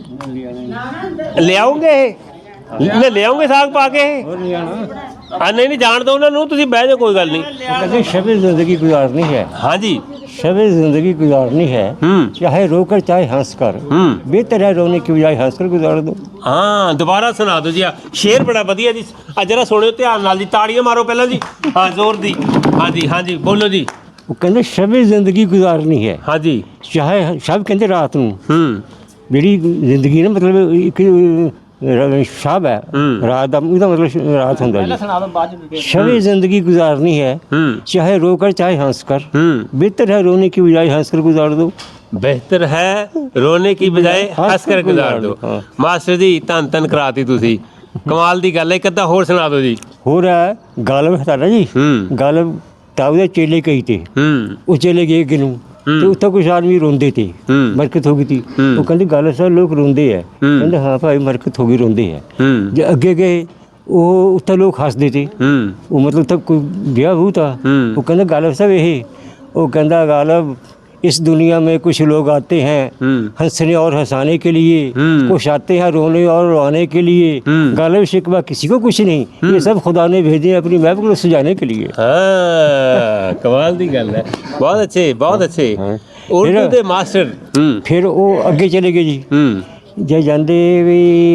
S1: ਲਿਆਉਂਗੇ ਲੈ ਲਿਆਉਂਗੇ ਸਾਗ ਪਾ ਕੇ ਆ ਨਹੀਂ ਨਹੀਂ ਜਾਣ ਦੋ ਉਹਨਾਂ ਨੂੰ ਤੁਸੀਂ ਬਹਿ ਜਾਓ ਕੋਈ ਗੱਲ ਨਹੀਂ
S2: कहते शबे जिंदगी गुजारनी है
S1: ਹਾਂਜੀ
S2: शबे जिंदगी गुजारनी है
S1: ਹੂੰ
S2: चाहे रोकर चाहे हंस कर
S1: ਹੂੰ
S2: बेहतर है रोने की बजाय हंस कर गुजार दो
S1: ਹਾਂ ਦੁਬਾਰਾ ਸੁਣਾ ਦਿਓ ਜੀ ਆ ਸ਼ੇਰ ਬੜਾ ਵਧੀਆ ਜੀ ਆ ਜਰਾ ਸੁਣਿਓ ਧਿਆਨ ਨਾਲ ਜੀ ਤਾੜੀਆਂ ਮਾਰੋ ਪਹਿਲਾਂ ਜੀ ਹਾਂ ਜ਼ੋਰ ਦੀ ਹਾਂਜੀ ਹਾਂਜੀ ਬੋਲੋ ਜੀ
S2: वो कहते शबे जिंदगी गुजारनी है
S1: ਹਾਂਜੀ
S2: चाहे शब कहते रात ਨੂੰ
S1: ਹੂੰ
S2: ਜਿਹੜੀ ਜ਼ਿੰਦਗੀ ਨਾ ਮਤਲਬ ਇੱਕ ਸ਼ਬ ਹੈ
S1: ਹੂੰ।
S2: ਰਾਤ ਦਾ ਉਹਦਾ ਮਤਲਬ ਸ਼- ਰਾਤ ਹੁੰਦਾ ਜੀ
S6: ਸੁਣਾ ਦੋ ਬਾਅਦ ਚ
S2: शबे जिंदगी गुजारनी है
S1: ਹੂੰ
S2: चाहे रोकर चाहे हंस कर
S1: ਹੂੰ
S2: बेहतर है रोने की बजाय हंस कर गुजार दो
S1: ਬਿਹਤਰ ਹੈ ਰੋਣੇ ਕੀ ਬਜਾਏ ਹੱਸ ਕਰ ਗੁਜ਼ਾਰ ਦਿਓ
S2: ਹਾਂ।
S1: ਮਾਸਟਰ ਜੀ ਧੰਨ ਧੰਨ ਕਰਾਤੀ ਤੁਸੀਂ ਕਮਾਲ ਦੀ ਗੱਲ ਹੈ ਇੱਕ ਅੱਧਾ ਹੋਰ ਸੁਣਾ ਦਿਓ ਜੀ
S2: हो रहा है गालब है ना जी
S1: ਹੂੰ
S2: गालब ताऊ दे चेले कही थे
S1: ਹੂੰ
S2: ਉਹ ਚਲੇ ਗਏ ਕਿਨੂੰ ਤੇ ਉੱਥੇ ਕੁਝ ਆਦਮੀ ਰੋਂਦੇ ਤੇ
S1: ਹੂੰ।
S2: ਮਰਕਤ ਹੋ ਗਈ ਤੀ
S1: ਹੂੰ।
S2: ਉਹ ਕਹਿੰਦੇ ਗੱਲ ਸਰ ਲੋਕ ਰੋਂਦੇ ਆ
S1: ਹੂੰ।
S2: ਕਹਿੰਦੇ ਹਾਂ ਭਾਈ ਮਰਕਤ ਹੋ ਗਈ ਰੋਂਦੇ ਆ
S1: ਹੂੰ
S2: ਜੇ ਅੱਗੇ ਗਏ ਉਹ ਉੱਥੇ ਲੋਕ ਹੱਸਦੇ ਤੇ
S1: ਹੂੰ
S2: ਉਹ ਮਤਲਬ ਤੱਕ ਕੋਈ ਵਿਆਹ ਹੁ ਤਾ
S1: ਹੂੰ।
S2: ਉਹ ਕਹਿੰਦਾ गालब साहब ਇਹ ਉਹ ਕਹਿੰਦਾ गालब इस दुनिया में कुछ लोग आते हैं
S1: हम्म।
S2: हंसने और हंसाने के लिए
S1: हम्म।
S2: कुछ आते हैं रोने और रोने के लिए
S1: हम्म।
S2: गालब शिकवा किसी को कुछ नहीं ये सब खुदा ने भेजे अपनी महब को सजाने के लिए
S1: ਹਾਂ ਕਮਾਲ ਦੀ ਗੱਲ ਹੈ ਬਹੁਤ ਅੱਛੇ ਬਹੁਤ ਅੱਛੇ ਉਰਦੂ
S2: ਫਿਰ-
S1: ਦੇ ਮਾਸਟਰ ਹੂੰ
S2: फिर वो ਅੱਗੇ ਚਲੇ ਗਏ ਜੀ
S1: ਹੂੰ
S2: ਜੇ ਜਾਂਦੇ ਵੀ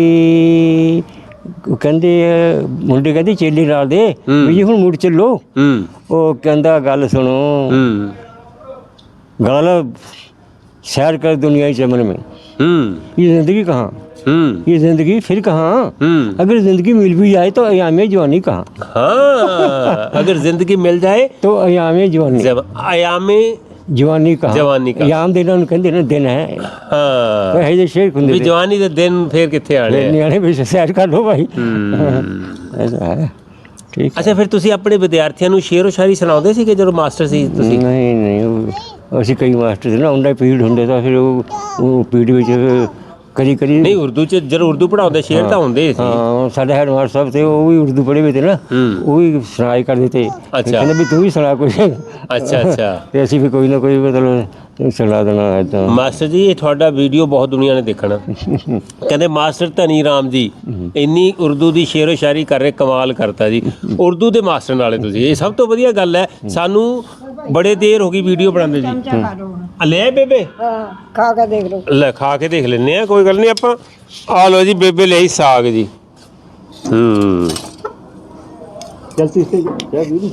S2: ਉਹ ਕਹਿੰਦੇ ਮੁੰਡੇ ਕਹਿੰਦੇ ਚੇਲੇ ਨਾਲ ਦੇ ਵੀ ਜੀ ਹੁਣ ਮੁੜ ਚੱਲੋ
S1: ਹੂੰ
S2: ਉਹ ਕਹਿੰਦਾ ਗੱਲ ਸੁਣੋ
S1: ਹੂੰ
S2: गालब सैर कर दुनिया के चमन में
S1: हम्म
S2: ये ज़िंदगी कहाँ
S1: हम्म
S2: ये ज़िंदगी फिर कहाँ
S1: हम्म
S2: अगर ज़िंदगी मिल भी जाए तो अयाम जवानी कहाँ
S1: हाँ अगर जिंदगी मिल जाए
S2: तो अयाम जवानी
S1: जब आयामे
S2: जवानी कहाँ
S1: जवानी कहाँ?
S2: अयाम दिन उन्हें कहते ना दिन है
S1: हाँ
S2: ਇਹ ਜੇ ਸ਼ੇਰ
S1: ਵੀ
S2: ਹੁੰਦੇ
S1: ਜਵਾਨੀ ਦੇ ਦਿਨ ਫੇਰ ਕਿੱਥੇ ਆਣੇ ਆ?
S2: ਨਿਆਣੇ ਵੀ ਸੈਰ ਕਰ ਲੋ ਭਾਈ
S1: ਹੂੰ
S2: ਐਸਾ ਹੈ ਠੀਕ
S1: ਅੱਛਾ ਫਿਰ ਤੁਸੀਂ ਆਪਣੇ ਵਿਦਿਆਰਥੀਆਂ ਨੂੰ ਸ਼ੇਰੋ ਸ਼ਾਇਰੀ ਸੁਣਾਉਂਦੇ ਸੀਗੇ ਜਦੋਂ ਮਾਸਟਰ ਸੀ ਤੁਸੀਂ
S2: ਨਹੀਂ ਨਹੀਂ ਉਹ- ਅਸੀਂ ਕਈ ਮਾਸਟਰ ਸੀ ਨਾ ਉਹਨਾਂ ਦਾ ਪੀਰੀਅਡ ਹੁੰਦੇ ਤਾਂ ਫਿਰ ਉਹ ਉਹ ਪੀਰੀਅਡ ਵਿੱਚ ਕਦੀ ਕਦੀ
S1: ਨਹੀਂ ਉਰਦੂ ਚ ਜਦੋਂ ਉਰਦੂ ਪੜਾਉਂਦੇ ਸ਼ੇਰ ਤਾਂ ਹੁੰਦੇ ਸੀ
S2: ਹਾਂ ਸਾਡੇ ਹੈਡ ਮਾਸਟਰ ਸਾਹਿਬ ਤੇ ਉਹ ਵੀ ਉਰਦੂ ਪੜ੍ਹੇ ਹੋਏ ਤੇ ਨਾ
S1: ਹੂੰ।
S2: ਉਹ ਵੀ ਸੁਣਾਈ ਕਰਦੇ ਤੇ
S1: ਅੱਛਾ।
S2: ਕਹਿੰਦੇ ਵੀ ਤੂੰ ਵੀ ਸੁਣਾ ਕੋਈ
S1: ਅੱਛਾ ਅੱਛਾ
S2: ਤੇ ਅਸੀਂ ਵੀ ਕੋਈ ਨਾ ਕੋਈ ਮਤਲਬ ਸੁਣਾ ਦੇਣਾ ਏਦਾਂ
S1: ਮਾਸਟਰ ਜੀ ਇਹ ਤੁਹਾਡਾ ਵੀਡੀਓ ਬਹੁਤ ਦੁਨੀਆ ਨੇ ਦੇਖਣਾ ਕਹਿੰਦੇ ਮਾਸਟਰ ਧਨੀ ਰਾਮ ਜੀ ਇੰਨੀ ਉਰਦੂ ਦੀ ਸ਼ੇਰੋ ਸ਼ਾਇਰੀ ਕਰ ਰਹੇ ਕਮਾਲ ਕਰਤਾ ਜੀ ਉਰਦੂ ਦੇ ਮਾਸਟਰ ਨਾਲੇ ਤੁਸੀਂ ਇਹ ਸਭ ਤੋਂ ਵਧੀਆ ਗੱਲ ਹੈ ਸਾਨੂੰ ਬੜੇ ਦੇਰ ਹੋ ਗਈ ਵੀਡੀਓ ਬਣਾਉਂਦੇ ਜੀ ਆ ਲੈ ਬੇਬੇ
S4: ਹਾਂ ਖਾ ਕੇ ਦੇਖ ਲਓ
S1: ਲੈ ਖਾ ਕੇ ਦੇਖ ਲੈਨੇ ਆ ਕੋਈ ਗੱਲ ਨਹੀਂ ਆਪਾਂ ਆ ਲਓ ਜੀ ਬੇਬੇ ਲਈ ਸਾਗ ਜੀ ਹੂੰ
S2: ਚਲਤੀ ਸੇ ਕਿਆ ਵੀਰ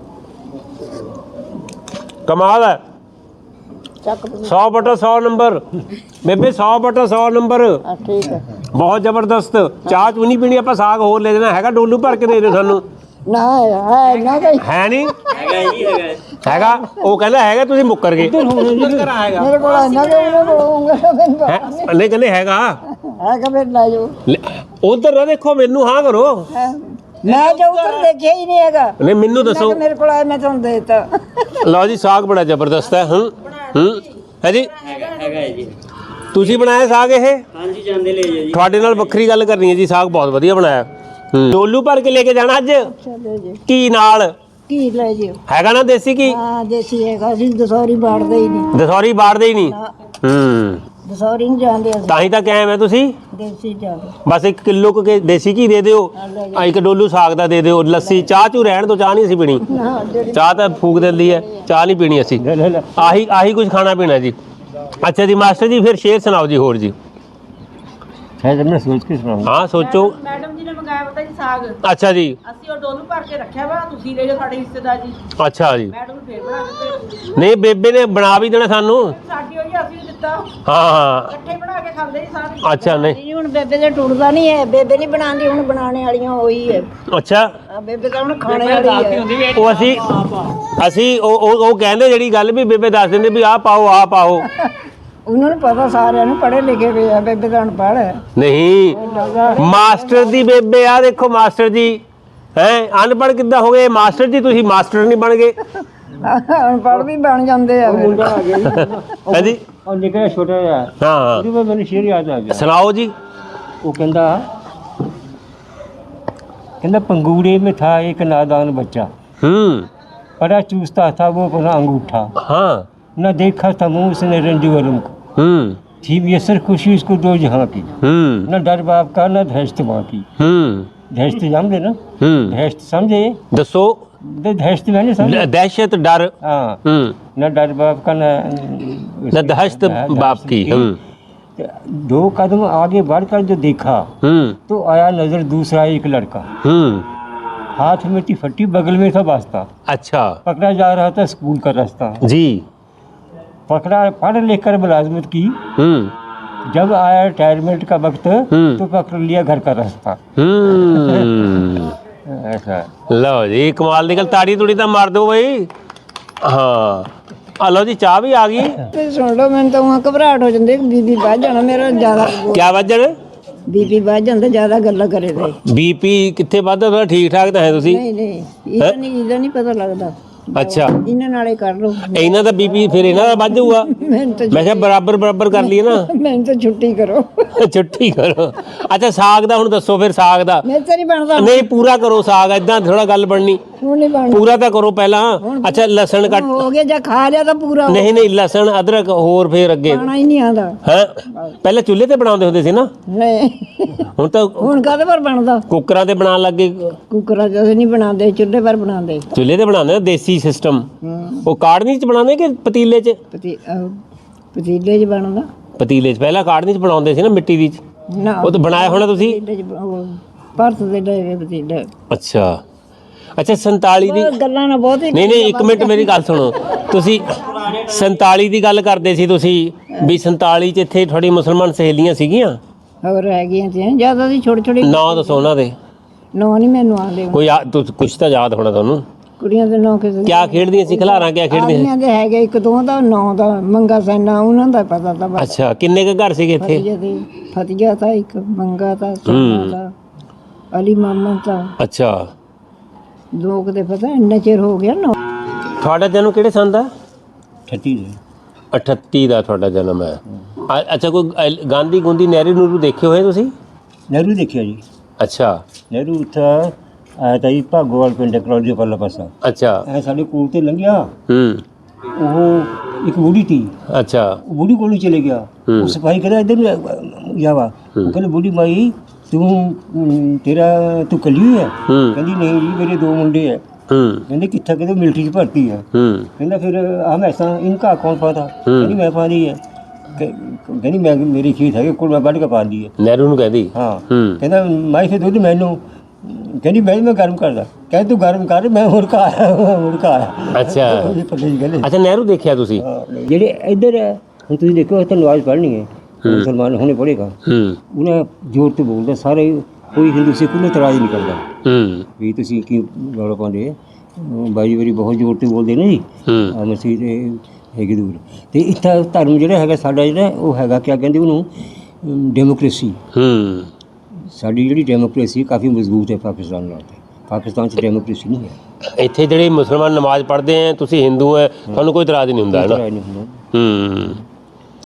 S1: ਕਮਾਲ ਹੈ
S4: ਚੱਕ
S1: ਸੌ ਬਟਾ ਸੌ ਨੰਬਰ ਬੇਬੇ ਸੌ ਬਟਾ ਸੌ ਨੰਬਰ
S4: ਆ ਠੀਕ ਹੈ
S1: ਬਹੁਤ ਜ਼ਬਰਦਸਤ ਚਾਹ ਚੂਹ ਨਹੀਂ ਪੀਣੀ ਆਪਾਂ ਸਾਗ ਹੋਰ ਲੈ ਦੇਣਾ ਹੈਗਾ ਡੋਲੂ ਭਰ ਕੇ ਦੇ ਦਿਓ ਸਾਨੂੰ
S4: ਨਾ ਹੈ ਨਾ ਕਹੀ
S1: ਹੈ ਨਹੀਂ ਹੈਗਾ ਉਹ ਕਹਿੰਦਾ ਹੈਗਾ ਤੁਸੀਂ ਮੁੱਕਰ ਗਏ
S4: ਮੇਰੇ ਕੋਲ ਇੰਨਾ ਕਿ ਉਹਨੇ ਬੋਲੂੰਗਾ ਮੈਨੂੰ ਪਤਾ
S1: ਹੈਂ? ਨਹੀਂ ਕਹਿੰਦੇ ਹੈਗਾ
S4: ਹੈ ਕਿ ਫਿਰ ਲੈ ਜਾਓ
S1: ਉਧਰ ਨਾ ਦੇਖੋ ਮੈਨੂੰ ਹਾਂ ਕਰੋ
S4: ਹੈਂ। ਮੈਂ ਜੋ ਉੱਧਰ ਦੇਖਿਆ ਹੀ ਨਹੀਂ ਹੈਗਾ
S1: ਨਹੀਂ ਮੈਨੂੰ
S4: ਮੈਂ
S1: ਦੱਸੋ
S4: ਕਿਹਾ ਮੇਰੇ ਕੋਲ ਆਇਆ ਮੈਂ ਤੁਹਾਨੂੰ ਦੇ ਦਿੱਤਾ
S1: ਲਓ ਜੀ ਸਾਗ ਬੜਾ ਜ਼ਬਰਦਸਤ ਹੈ ਹੂੰ ਹੂੰ ਹੈ ਜੀ
S7: ਹੈਗਾ ਜੀ
S1: ਤੁਸੀਂ ਬਣਾਇਆ ਸਾਗ ਇਹ
S7: ਹਾਂਜੀ ਜਾਂਦੇ ਲੈ ਜਾਓ ਜੀ
S1: ਤੁਹਾਡੇ ਨਾਲ ਵੱਖਰੀ ਗੱਲ ਕਰਨੀ ਹੈ ਜੀ ਸਾਗ ਬਹੁਤ ਵਧੀਆ ਬਣਾਇਆ ਹੂੰ ਡੋਲੂ ਭਰ ਕੇ ਲੈ ਕੇ ਜਾਣਾ ਅੱਜ
S4: ਚਲੋ ਜੀ
S1: ਕੀ ਨਾਲ
S4: ਕੀ ਲੈ ਜਿਓ
S1: ਹੈਗਾ ਨਾ ਦੇਸੀ ਕੀ
S4: ਹਾਂ ਦੇਸੀ ਹੈਗਾ ਅਸੀਂ ਦਸੌਰੀ ਬਾੜਦੇ ਹੀ ਨਹੀਂ
S1: ਦਸੌਰੀ ਬਾੜਦੇ ਹੀ ਨਹੀਂ ਹੂੰ
S4: ਦਸੌਰੀ ਨਹੀਂ ਜਾਂਦੇ ਅਸੀਂ
S1: ਤਾਂ ਹੀ ਤਾਂ ਕਾਇਮ ਹੈ ਤੁਸੀਂ
S4: ਦੇਸੀ ਜਾਂਦੇ
S1: ਬਸ ਇੱਕ ਕਿਲੋ ਕੁ ਕੇ ਦੇਸੀ ਘੀ ਦੇ ਦਿਓ ਆ ਇੱਕ ਡੋਲੂ ਸਾਗ ਦਾ ਦੇ ਦਿਓ ਲੱਸੀ ਚਾਹ ਚੂ ਰਹਿਣ ਤੋਂ ਚਾਹ ਨਹੀਂ ਅਸੀਂ ਪੀਣੀ
S4: ਨਾ ਜਿਹੜੀ
S1: ਚਾਹ ਤਾਂ ਫੂਕ ਦਿੰਦੀ ਹੈ ਚਾਹ ਨਹੀਂ ਪੀਣੀ ਅਸੀਂ ਆਹੀ ਆਹੀ ਕੁਝ ਖਾਣਾ ਪੀਣਾ ਜੀ ਅੱਛਾ ਜੀ ਮਾਸਟਰ ਜੀ ਫਿਰ ਸ਼ੇਰ ਸੁਣਾਓ ਜੀ ਹੋਰ ਜੀ
S2: ਹੈ ਜਦ ਮੈਂ ਸੋਚ ਕੇ ਸੁਣਾਉਂਗਾ
S1: ਹਾਂ ਸੋਚੋ
S6: ਮੈਡਮ ਜੀ ਨੇ ਮੰਗਾਇਆ ਪਤਾ ਜੀ ਸਾਗ
S1: ਅੱਛਾ ਜੀ
S6: ਅਸੀਂ ਉਹ ਡੋਲੂ ਭਰ ਕੇ ਰੱਖਿਆ ਵਾ ਤੁਸੀਂ ਲੈ ਜਾਓ ਸਾਡੇ ਹਿੱਸੇਦਾਰ ਜੀ
S1: ਅੱਛਾ ਜੀ
S6: ਮੈਡਮ ਨੂੰ ਫੇਰ ਬਣਾ ਕੇ ਭੇਜ ਦਿਓ।
S1: ਨਹੀਂ ਬੇਬੇ ਨੇ ਬਣਾ ਵੀ ਦੇਣਾ ਸਾਨੂੰ
S6: ਸਾਡੀ ਹੋਈ ਅਸੀਂ ਵੀ ਦਿੱਤਾ
S1: ਹਾਂ ਹਾਂ
S6: ਇਕੱਠੇ ਬਣਾ ਕੇ ਖਾਂਦੇ ਜੀ ਸਾਰੇ
S1: ਅੱਛਾ ਨਹੀਂ
S4: ਨਹੀਂ ਹੁਣ ਬੇਬੇ ਦੇ ਟੁੱਟਦਾ ਨਹੀਂ ਹੈ ਬੇਬੇ ਨਹੀਂ ਬਣਾਉਂਦੀ ਹੁਣ ਬਣਾਉਣੇ ਵਾਲੀਆਂ ਉਹੀ ਹੈ
S1: ਅੱਛਾ
S4: ਆ ਬੇਬੇ ਤਾਂ ਹੁਣ ਖਾਣੇ ਵਾਲੀ ਹੈ
S1: ਉਹ ਅਸੀਂ ਅਸੀਂ ਉਹ ਉਹ ਉਹ ਕਹਿੰਦੇ ਜਿਹੜੀ ਗੱਲ ਵੀ ਬੇਬੇ ਦੱਸ ਦਿੰਦੇ ਵੀ ਆਹ ਪਾਓ ਆਹ ਪਾਓ
S4: ਉਹਨਾਂ ਨੂੰ ਪਤਾ ਸਾਰਿਆਂ ਨੂੰ ਪੜ੍ਹੇ ਲਿਖੇ ਹੋਏ ਆ ਬੇਬੇ ਤਾਂ ਅਨਪੜ੍ਹ ਹੈ
S1: ਨਹੀਂ ਮਾਸਟਰ ਦੀ ਬੇਬੇ ਆ ਦੇਖੋ ਮਾਸਟਰ ਜੀ ਹੈ ਅਨਪੜ੍ਹ ਕਿੱਦਾਂ ਹੋ ਗਏ ਮਾਸਟਰ ਜੀ ਤੁਸੀਂ ਮਾਸਟਰ ਨਹੀਂ ਬਣ ਗਏ
S4: ਅਨਪੜ੍ਹ ਵੀ ਬਣ ਜਾਂਦੇ ਆ ਫਿਰ।
S1: ਹੈ ਜੀ
S2: ਉਹ ਨਿਕਲਿਆ ਛੋਟਾ ਜਿਹਾ
S1: ਹਾਂ ਹਾਂ
S2: ਉਹਦੇ ਬਾਅਦ ਮੈਨੂੰ ਸ਼ੇਰ ਯਾਦ ਆ ਗਿਆ
S1: ਸੁਣਾਓ ਜੀ
S2: वो कहता कहता पंगूड़े में था एक नादान बच्चा
S1: हम्म
S2: बड़ा चूसता था वो अपना अंगूठा
S1: हाँ
S2: न देखा था मुँह उसने रंजू वरम को
S1: हम्म
S2: थी मुयसर खुशी उसको दो जहाँ की
S1: हम्म
S2: न डर बाप का न दहशत माँ की
S1: हम्म
S2: दहशत समझे ना
S1: हम्म
S2: दहशत समझे
S1: दसो
S2: द- दहशत मैंने समझे
S1: दहशत डर
S2: हाँ
S1: हम्म
S2: न डर बाप का न
S1: न दहशत बाप की हम्म
S2: दो कदम आगे बढ़कर जो देखा
S1: हम्म
S2: तो आया नजर दूसरा एक लड़का
S1: हम्म
S2: हाथ में टिफटी बगल में था वास्ता
S1: अच्छा
S2: पकड़ा जा रहा था स्कूल का रास्ता
S1: जी
S2: पकड़ा पढ़ लिख कर मुलाजमत की
S1: हम्म
S2: जब आया रिटायरमेंट का वक्त
S1: हम्म।
S2: तो पकड़ लिया घर का रास्ता
S1: हम्म
S2: ऐसा
S1: लो जी कमाल निकल ताड़ी तुड़ी तो मार दो भाई हाँ आ लो जी चाह भी आ गई
S4: ਤੇ ਸੁਣ ਲਓ ਮੈਨੂੰ ਤਾਂ ਉਹ ਘਬਰਾਹਟ ਹੋ ਜਾਂਦੀ ਬੀਬੀ ਵੱਧ ਜਾਣਾ ਮੇਰਾ ਜ਼ਿਆਦਾ
S1: क्या वजन
S4: ਬੀਬੀ ਵੱਧ ਜਾਂਦਾ ਜ਼ਿਆਦਾ ਗੱਲਾਂ ਕਰੇ ਤੇ
S1: बीपी कितने वादा थोड़ा ठीक ठाक तो है तुसी
S4: ਨਹੀਂ ਨਹੀਂ ਇਹਦਾ ਨਹੀਂ ਇਹਦਾ ਨਹੀਂ ਪਤਾ ਲੱਗਦਾ
S1: अच्छा
S4: ਇਹਨਾਂ ਨਾਲੇ ਕਰ ਲਓ
S1: ਇਹਨਾਂ ਦਾ ਬੀਪੀ ਫਿਰ ਇਹਨਾਂ ਦਾ ਵੱਧ ਜਾਊਗਾ
S4: ਮੈਨੂੰ ਤਾਂ
S1: ਮੈਂ ਕਿਹਾ ਬਰਾਬਰ ਬਰਾਬਰ ਕਰ ਲਈਏ ਨਾ
S4: ਮੈਨੂੰ ਤਾਂ ਛੁੱਟੀ ਕਰੋ
S1: ਛੁੱਟੀ ਕਰੋ ਅੱਛਾ ਸਾਗ ਦਾ ਹੁਣ ਦੱਸੋ ਫਿਰ ਸਾਗ ਦਾ
S4: ਮੈਂ ਤਾਂ ਨਹੀਂ ਬਣਦਾ
S1: ਨਹੀਂ ਪੂਰਾ ਕਰੋ ਸਾਗ ਇਦਾਂ ਥੋੜਾ ਗੱਲ ਬਣਨੀ
S4: ਹੁਣ ਨਹੀਂ ਬਣਦਾ
S1: ਪੂਰਾ ਤਾਂ ਕਰੋ ਪਹਿਲਾਂ ਅੱਛਾ ਲਸਣ ਕੱਟ
S4: ਹੋ ਗਿਆ ਜਾਂ ਖਾ ਲਿਆ ਤਾਂ ਪੂਰਾ ਹੋ
S1: ਨਹੀਂ ਨਹੀਂ ਲਸਣ ਅਦਰਕ ਹੋਰ ਫਿਰ ਅੱਗੇ
S4: ਖਾਣਾ ਹੀ ਨਹੀਂ ਆਉਂਦਾ
S1: ਹੈ ਪਹਿਲਾਂ ਚੁੱਲ੍ਹੇ ਤੇ ਬਣਾਉਂਦੇ ਹੁੰਦੇ ਸੀ ਨਾ
S4: ਨਹੀਂ
S1: ਹੁਣ ਤਾਂ
S4: ਹੁਣ ਕਾਹਦੇ ਪਰ ਬਣਦਾ
S1: ਕੁੱਕਰਾਂ ਤੇ ਬਣਾਉਣ ਲੱਗੇ
S4: ਕੁੱਕਰਾਂ 'ਚ ਅਸੀਂ ਨਹੀਂ ਬਣਾਉਂਦੇ ਚੁੱਲ੍ਹੇ ਪਰ ਬਣਾਉਂਦੇ
S1: ਚੁੱਲ੍ਹੇ ਤੇ ਬਣਾਉਂਦੇ ਆ ਦੇਸੀ ਸਿਸਟਮ ਉਹ ਕਾੜਨੀ ਚ ਬਣਾਉਂਦੇ ਕਿ ਪਤੀਲੇ ਚ
S4: ਪਤੀ ਅਹ ਪਤੀਲੇ 'ਚ ਬਣਦਾ
S1: ਪਤੀਲੇ ਚ ਪਹਿਲਾਂ ਕਾੜਨੀ ਚ ਬਣਾਉਂਦੇ ਸੀ ਨਾ ਮਿੱਟੀ ਦੀ ਚ
S4: ਨਾ
S1: ਉਹ ਤਾਂ ਬਣਾਇਆ ਹੋਣਾ ਤੁਸੀਂ
S4: ਪਤੀਲੇ 'ਚ ਬ- ਉਹ ਭਰਤ ਦੇ ਡੇਰੇ ਪਤੀਲੇ
S1: ਅੱਛਾ ਅੱਛਾ ਸੰਤਾਲੀ ਦੀ
S4: ਉਹ ਗੱਲਾਂ ਨਾ ਬਹੁਤ ਹੀ
S1: ਨਹੀਂ ਨਹੀਂ ਇੱਕ ਮਿੰਟ ਮੇਰੀ ਗੱਲ ਸੁਣੋ ਤੁਸੀਂ ਸੰਤਾਲੀ ਦੀ ਗੱਲ ਕਰਦੇ ਸੀ ਤੁਸੀਂ ਵੀ ਸੰਤਾਲੀ ਚ ਇੱਥੇ ਤੁਹਾਡੀ ਮੁਸਲਮਾਨ ਸਹੇਲੀਆਂ ਸੀਗੀਆਂ
S4: ਹੋਰ ਹੈਗੀਆਂ ਤੇ ਜਿਆਦਾ ਦੀ ਛੋਟੀ ਛੋਟੀ
S1: ਨਾਂ ਦੱਸੋ ਉਹਨਾਂ ਦੇ
S4: ਨਾਂ ਨਹੀਂ ਮੈਨੂੰ ਆਉਂਦੇ
S1: ਕੋਈ ਯਾ- ਤੁ- ਕੁਛ ਤਾਂ ਯਾਦ ਹੋਣਾ ਤੁਹਾਨੂੰ
S4: ਕੁੜੀਆਂ ਦੇ ਨਾਂ ਕਿਸੇ
S1: ਕਿਆ ਖੇਡਦੀਆਂ ਸੀ ਖਿਲਾਰਾਂ ਕਿਆ ਖੇਡਦੀਆਂ ਸੀ
S4: ਆਦਮੀਆਂ ਦੇ ਹੈਗੇ ਇੱਕ ਦੋ ਦਾ ਨਾਂ ਦਾ ਮੰਗਾ ਸੈਨਾ ਉਹਨਾਂ ਦਾ ਪਤਾ ਤਾਂ ਬਸ
S1: ਅੱਛਾ ਕਿੰਨੇ ਕੁ ਘਰ ਸੀਗੇ ਇੱਥੇ
S4: ਫਤਿਆ ਦੇ ਫਤਿਆ ਤਾਂ ਇੱਕ ਮੰਗਾ ਤਾਂ ਸੋਨਾ ਦਾ ਅਲੀ ਮਾਮਾ ਤਾਂ
S1: ਅੱਛਾ
S4: ਲੋਕ ਦੇ ਪਤਾ ਇੰਨਾ ਚਿਰ ਹੋ ਗਿਆ ਨਾ
S1: ਤੁਹਾਡਾ ਜਨਮ ਕਿਹੜੇ ਸੰਨ ਦਾ
S2: छठी है
S1: ਅਠੱਤੀ ਦਾ ਤੁਹਾਡਾ ਜਨਮ ਹੈ ਅ- ਅੱਛਾ ਕੋਈ ਅ- ਗਾਂਧੀ ਗੁੰਦੀ ਨਹਿਰੂ ਨੂਰੂ ਦੇਖੇ ਹੋਏ ਤੁਸੀਂ
S2: नेहरू देखिए जी
S1: ਅੱਛਾ
S2: नेहरू था आया था जी भागोवाल पिंड कलौजी परला पासा
S1: ਅੱਛਾ
S2: ऐ साढ़े कोल ते लंघिया
S1: ਹੂੰ
S2: ਉਹ ਇੱਕ ਬੁੜੀ ਤੀ
S1: ਅੱਛਾ
S2: ਉਹ ਬੁੜੀ ਕੋਲ ਹੀ ਚਲੇ ਗਿਆ
S1: ਹੂੰ।
S2: ਉਹ ਸਿਪਾਹੀ ਕਹਿੰਦਾ ਇੱਧਰ ਨੂੰ ਆ- ਜਾਵਾ ਉਹ ਕਹਿੰਦੇ ਬੁੜੀ ਮਾਈ ਤੂੰ ਅਮ, ਤੇਰਾ ਤੂੰ ਕੱਲੀ ਹੋਈ ਹੈ
S1: ਹੂੰ
S2: ਕਹਿੰਦੀ ਨਹੀਂ ਜੀ ਮੇਰੇ ਦੋ ਮੁੰਡੇ ਹੈ
S1: ਹੂੰ
S2: ਕਹਿੰਦੇ ਕਿੱਥੇ ਕਹਿੰਦੇ ਮਿਲਟਰੀ 'ਚ ਭਰਤੀ ਹੈ
S1: ਹੂੰ
S2: ਕਹਿੰਦਾ ਫਿਰ ਹਮ ऐसा इनका कौन पाता ਕਹਿੰਦੀ ਮੈਂ ਪਾ ਦੀ ਹੈ ਕ- ਕਹਿੰਦੀ ਮੈਂ ਮੇਰੀ ਖੀਰ ਹੈਗੀ ਕੋਲ ਮੈਂ ਵੱਢ ਕੇ ਪਾ ਦੀ ਹੈ
S1: ਨਹਿਰੂ ਨੂੰ ਕਹਿੰਦੀ
S2: ਹਾਂ
S1: ਹੂੰ
S2: ਕਹਿੰਦਾ ਮਾਈ ਫਿਰ ਦੁੱਧ ਮੈਨੂੰ ਕਹਿੰਦੀ ਮੈਂ ਮੈਂ ਗਰਮ ਕਰਦਾ ਕਹਿੰਦੀ ਤੂੰ ਗਰਮ ਕਰ ਮੈਂ ਮੁੜਕਾ ਆਇਆ ਮੁੜਕਾ ਆਇਆ
S1: ਅੱਛਾ
S2: ਉਹਦੀ ਪੱਲੇ ਦੀ ਗੱਲ
S1: ਅੱਛਾ ਨਹਿਰੂ ਦੇਖਿਆ ਤੁਸੀਂ
S2: ਹਾਂ, ਜਿਹੜੇ ਇੱਧਰ ਹੈ ਹੁਣ ਤੁਸੀਂ ਦੇਖੋ ਇੱਥੇ ਨਵਾਜ਼ ਪੜ੍ਹਨੀ ਹੈ ਮੁਸਲਮਾਨ ਹੁਣੇ ਪੜ੍ਹੇਗਾ
S1: ਹੂੰ
S2: ਉਹਨਾਂ ਜ਼ੋਰ ਤੇ ਬੋਲਦਾ ਸਾਰੇ ਕੋਈ ਹਿੰਦੂ ਸਿੱਖ ਨੂੰ ਇਤਰਾਜ਼ ਨਹੀਂ ਕਰਦਾ
S1: ਹੂੰ
S2: ਵੀ ਤੁਸੀਂ ਕੀ ਗਾਲਾਂ ਪਾਉਂਦੇ ਬਾਈ ਵਾਰੀ ਬਹੁਤ ਜ਼ੋਰ ਤੇ ਬੋਲਦੇ ਨੇ ਜੀ
S1: ਹੂੰ
S2: ਆ ਮਸੀਹ ਦੇ ਹੈਗੀ ਦੂਰ ਤੇ ਇੱਥੇ ਧਰਮ ਜਿਹੜਾ ਹੈਗਾ ਸਾਡਾ ਜਿਹੜਾ ਉਹ ਹੈਗਾ ਕਿਆ ਕਹਿੰਦੇ ਉਹਨੂੰ ਅਮ, ਡੈਮੋਕ੍ਰੇਸੀ
S1: ਹੂੰ
S2: ਸਾਡੀ ਜਿਹੜੀ ਡੈਮੋਕ੍ਰੇਸੀ ਕਾਫੀ ਮਜ਼ਬੂਤ ਹੈ ਪਾਕਿਸਤਾਨ ਨਾਲ ਪਾਕਿਸਤਾਨ 'ਚ ਡੈਮੋਕ੍ਰੇਸੀ ਨਹੀਂ ਹੈ
S1: ਇੱਥੇ ਜਿਹੜੇ ਮੁਸਲਮਾਨ ਨਮਾਜ਼ ਪੜ੍ਹਦੇ ਆ ਤੁਸੀਂ ਹਿੰਦੂ ਹੈ ਤੁਹਾਨੂੰ ਕੋਈ ਇਤਰਾਜ਼ ਨਹੀਂ ਹੁੰਦਾ ਹੈ ਨਾ
S2: ਇਤਰਾਜ਼ ਨਹੀਂ ਹੁੰਦਾ
S1: ਹੂੰ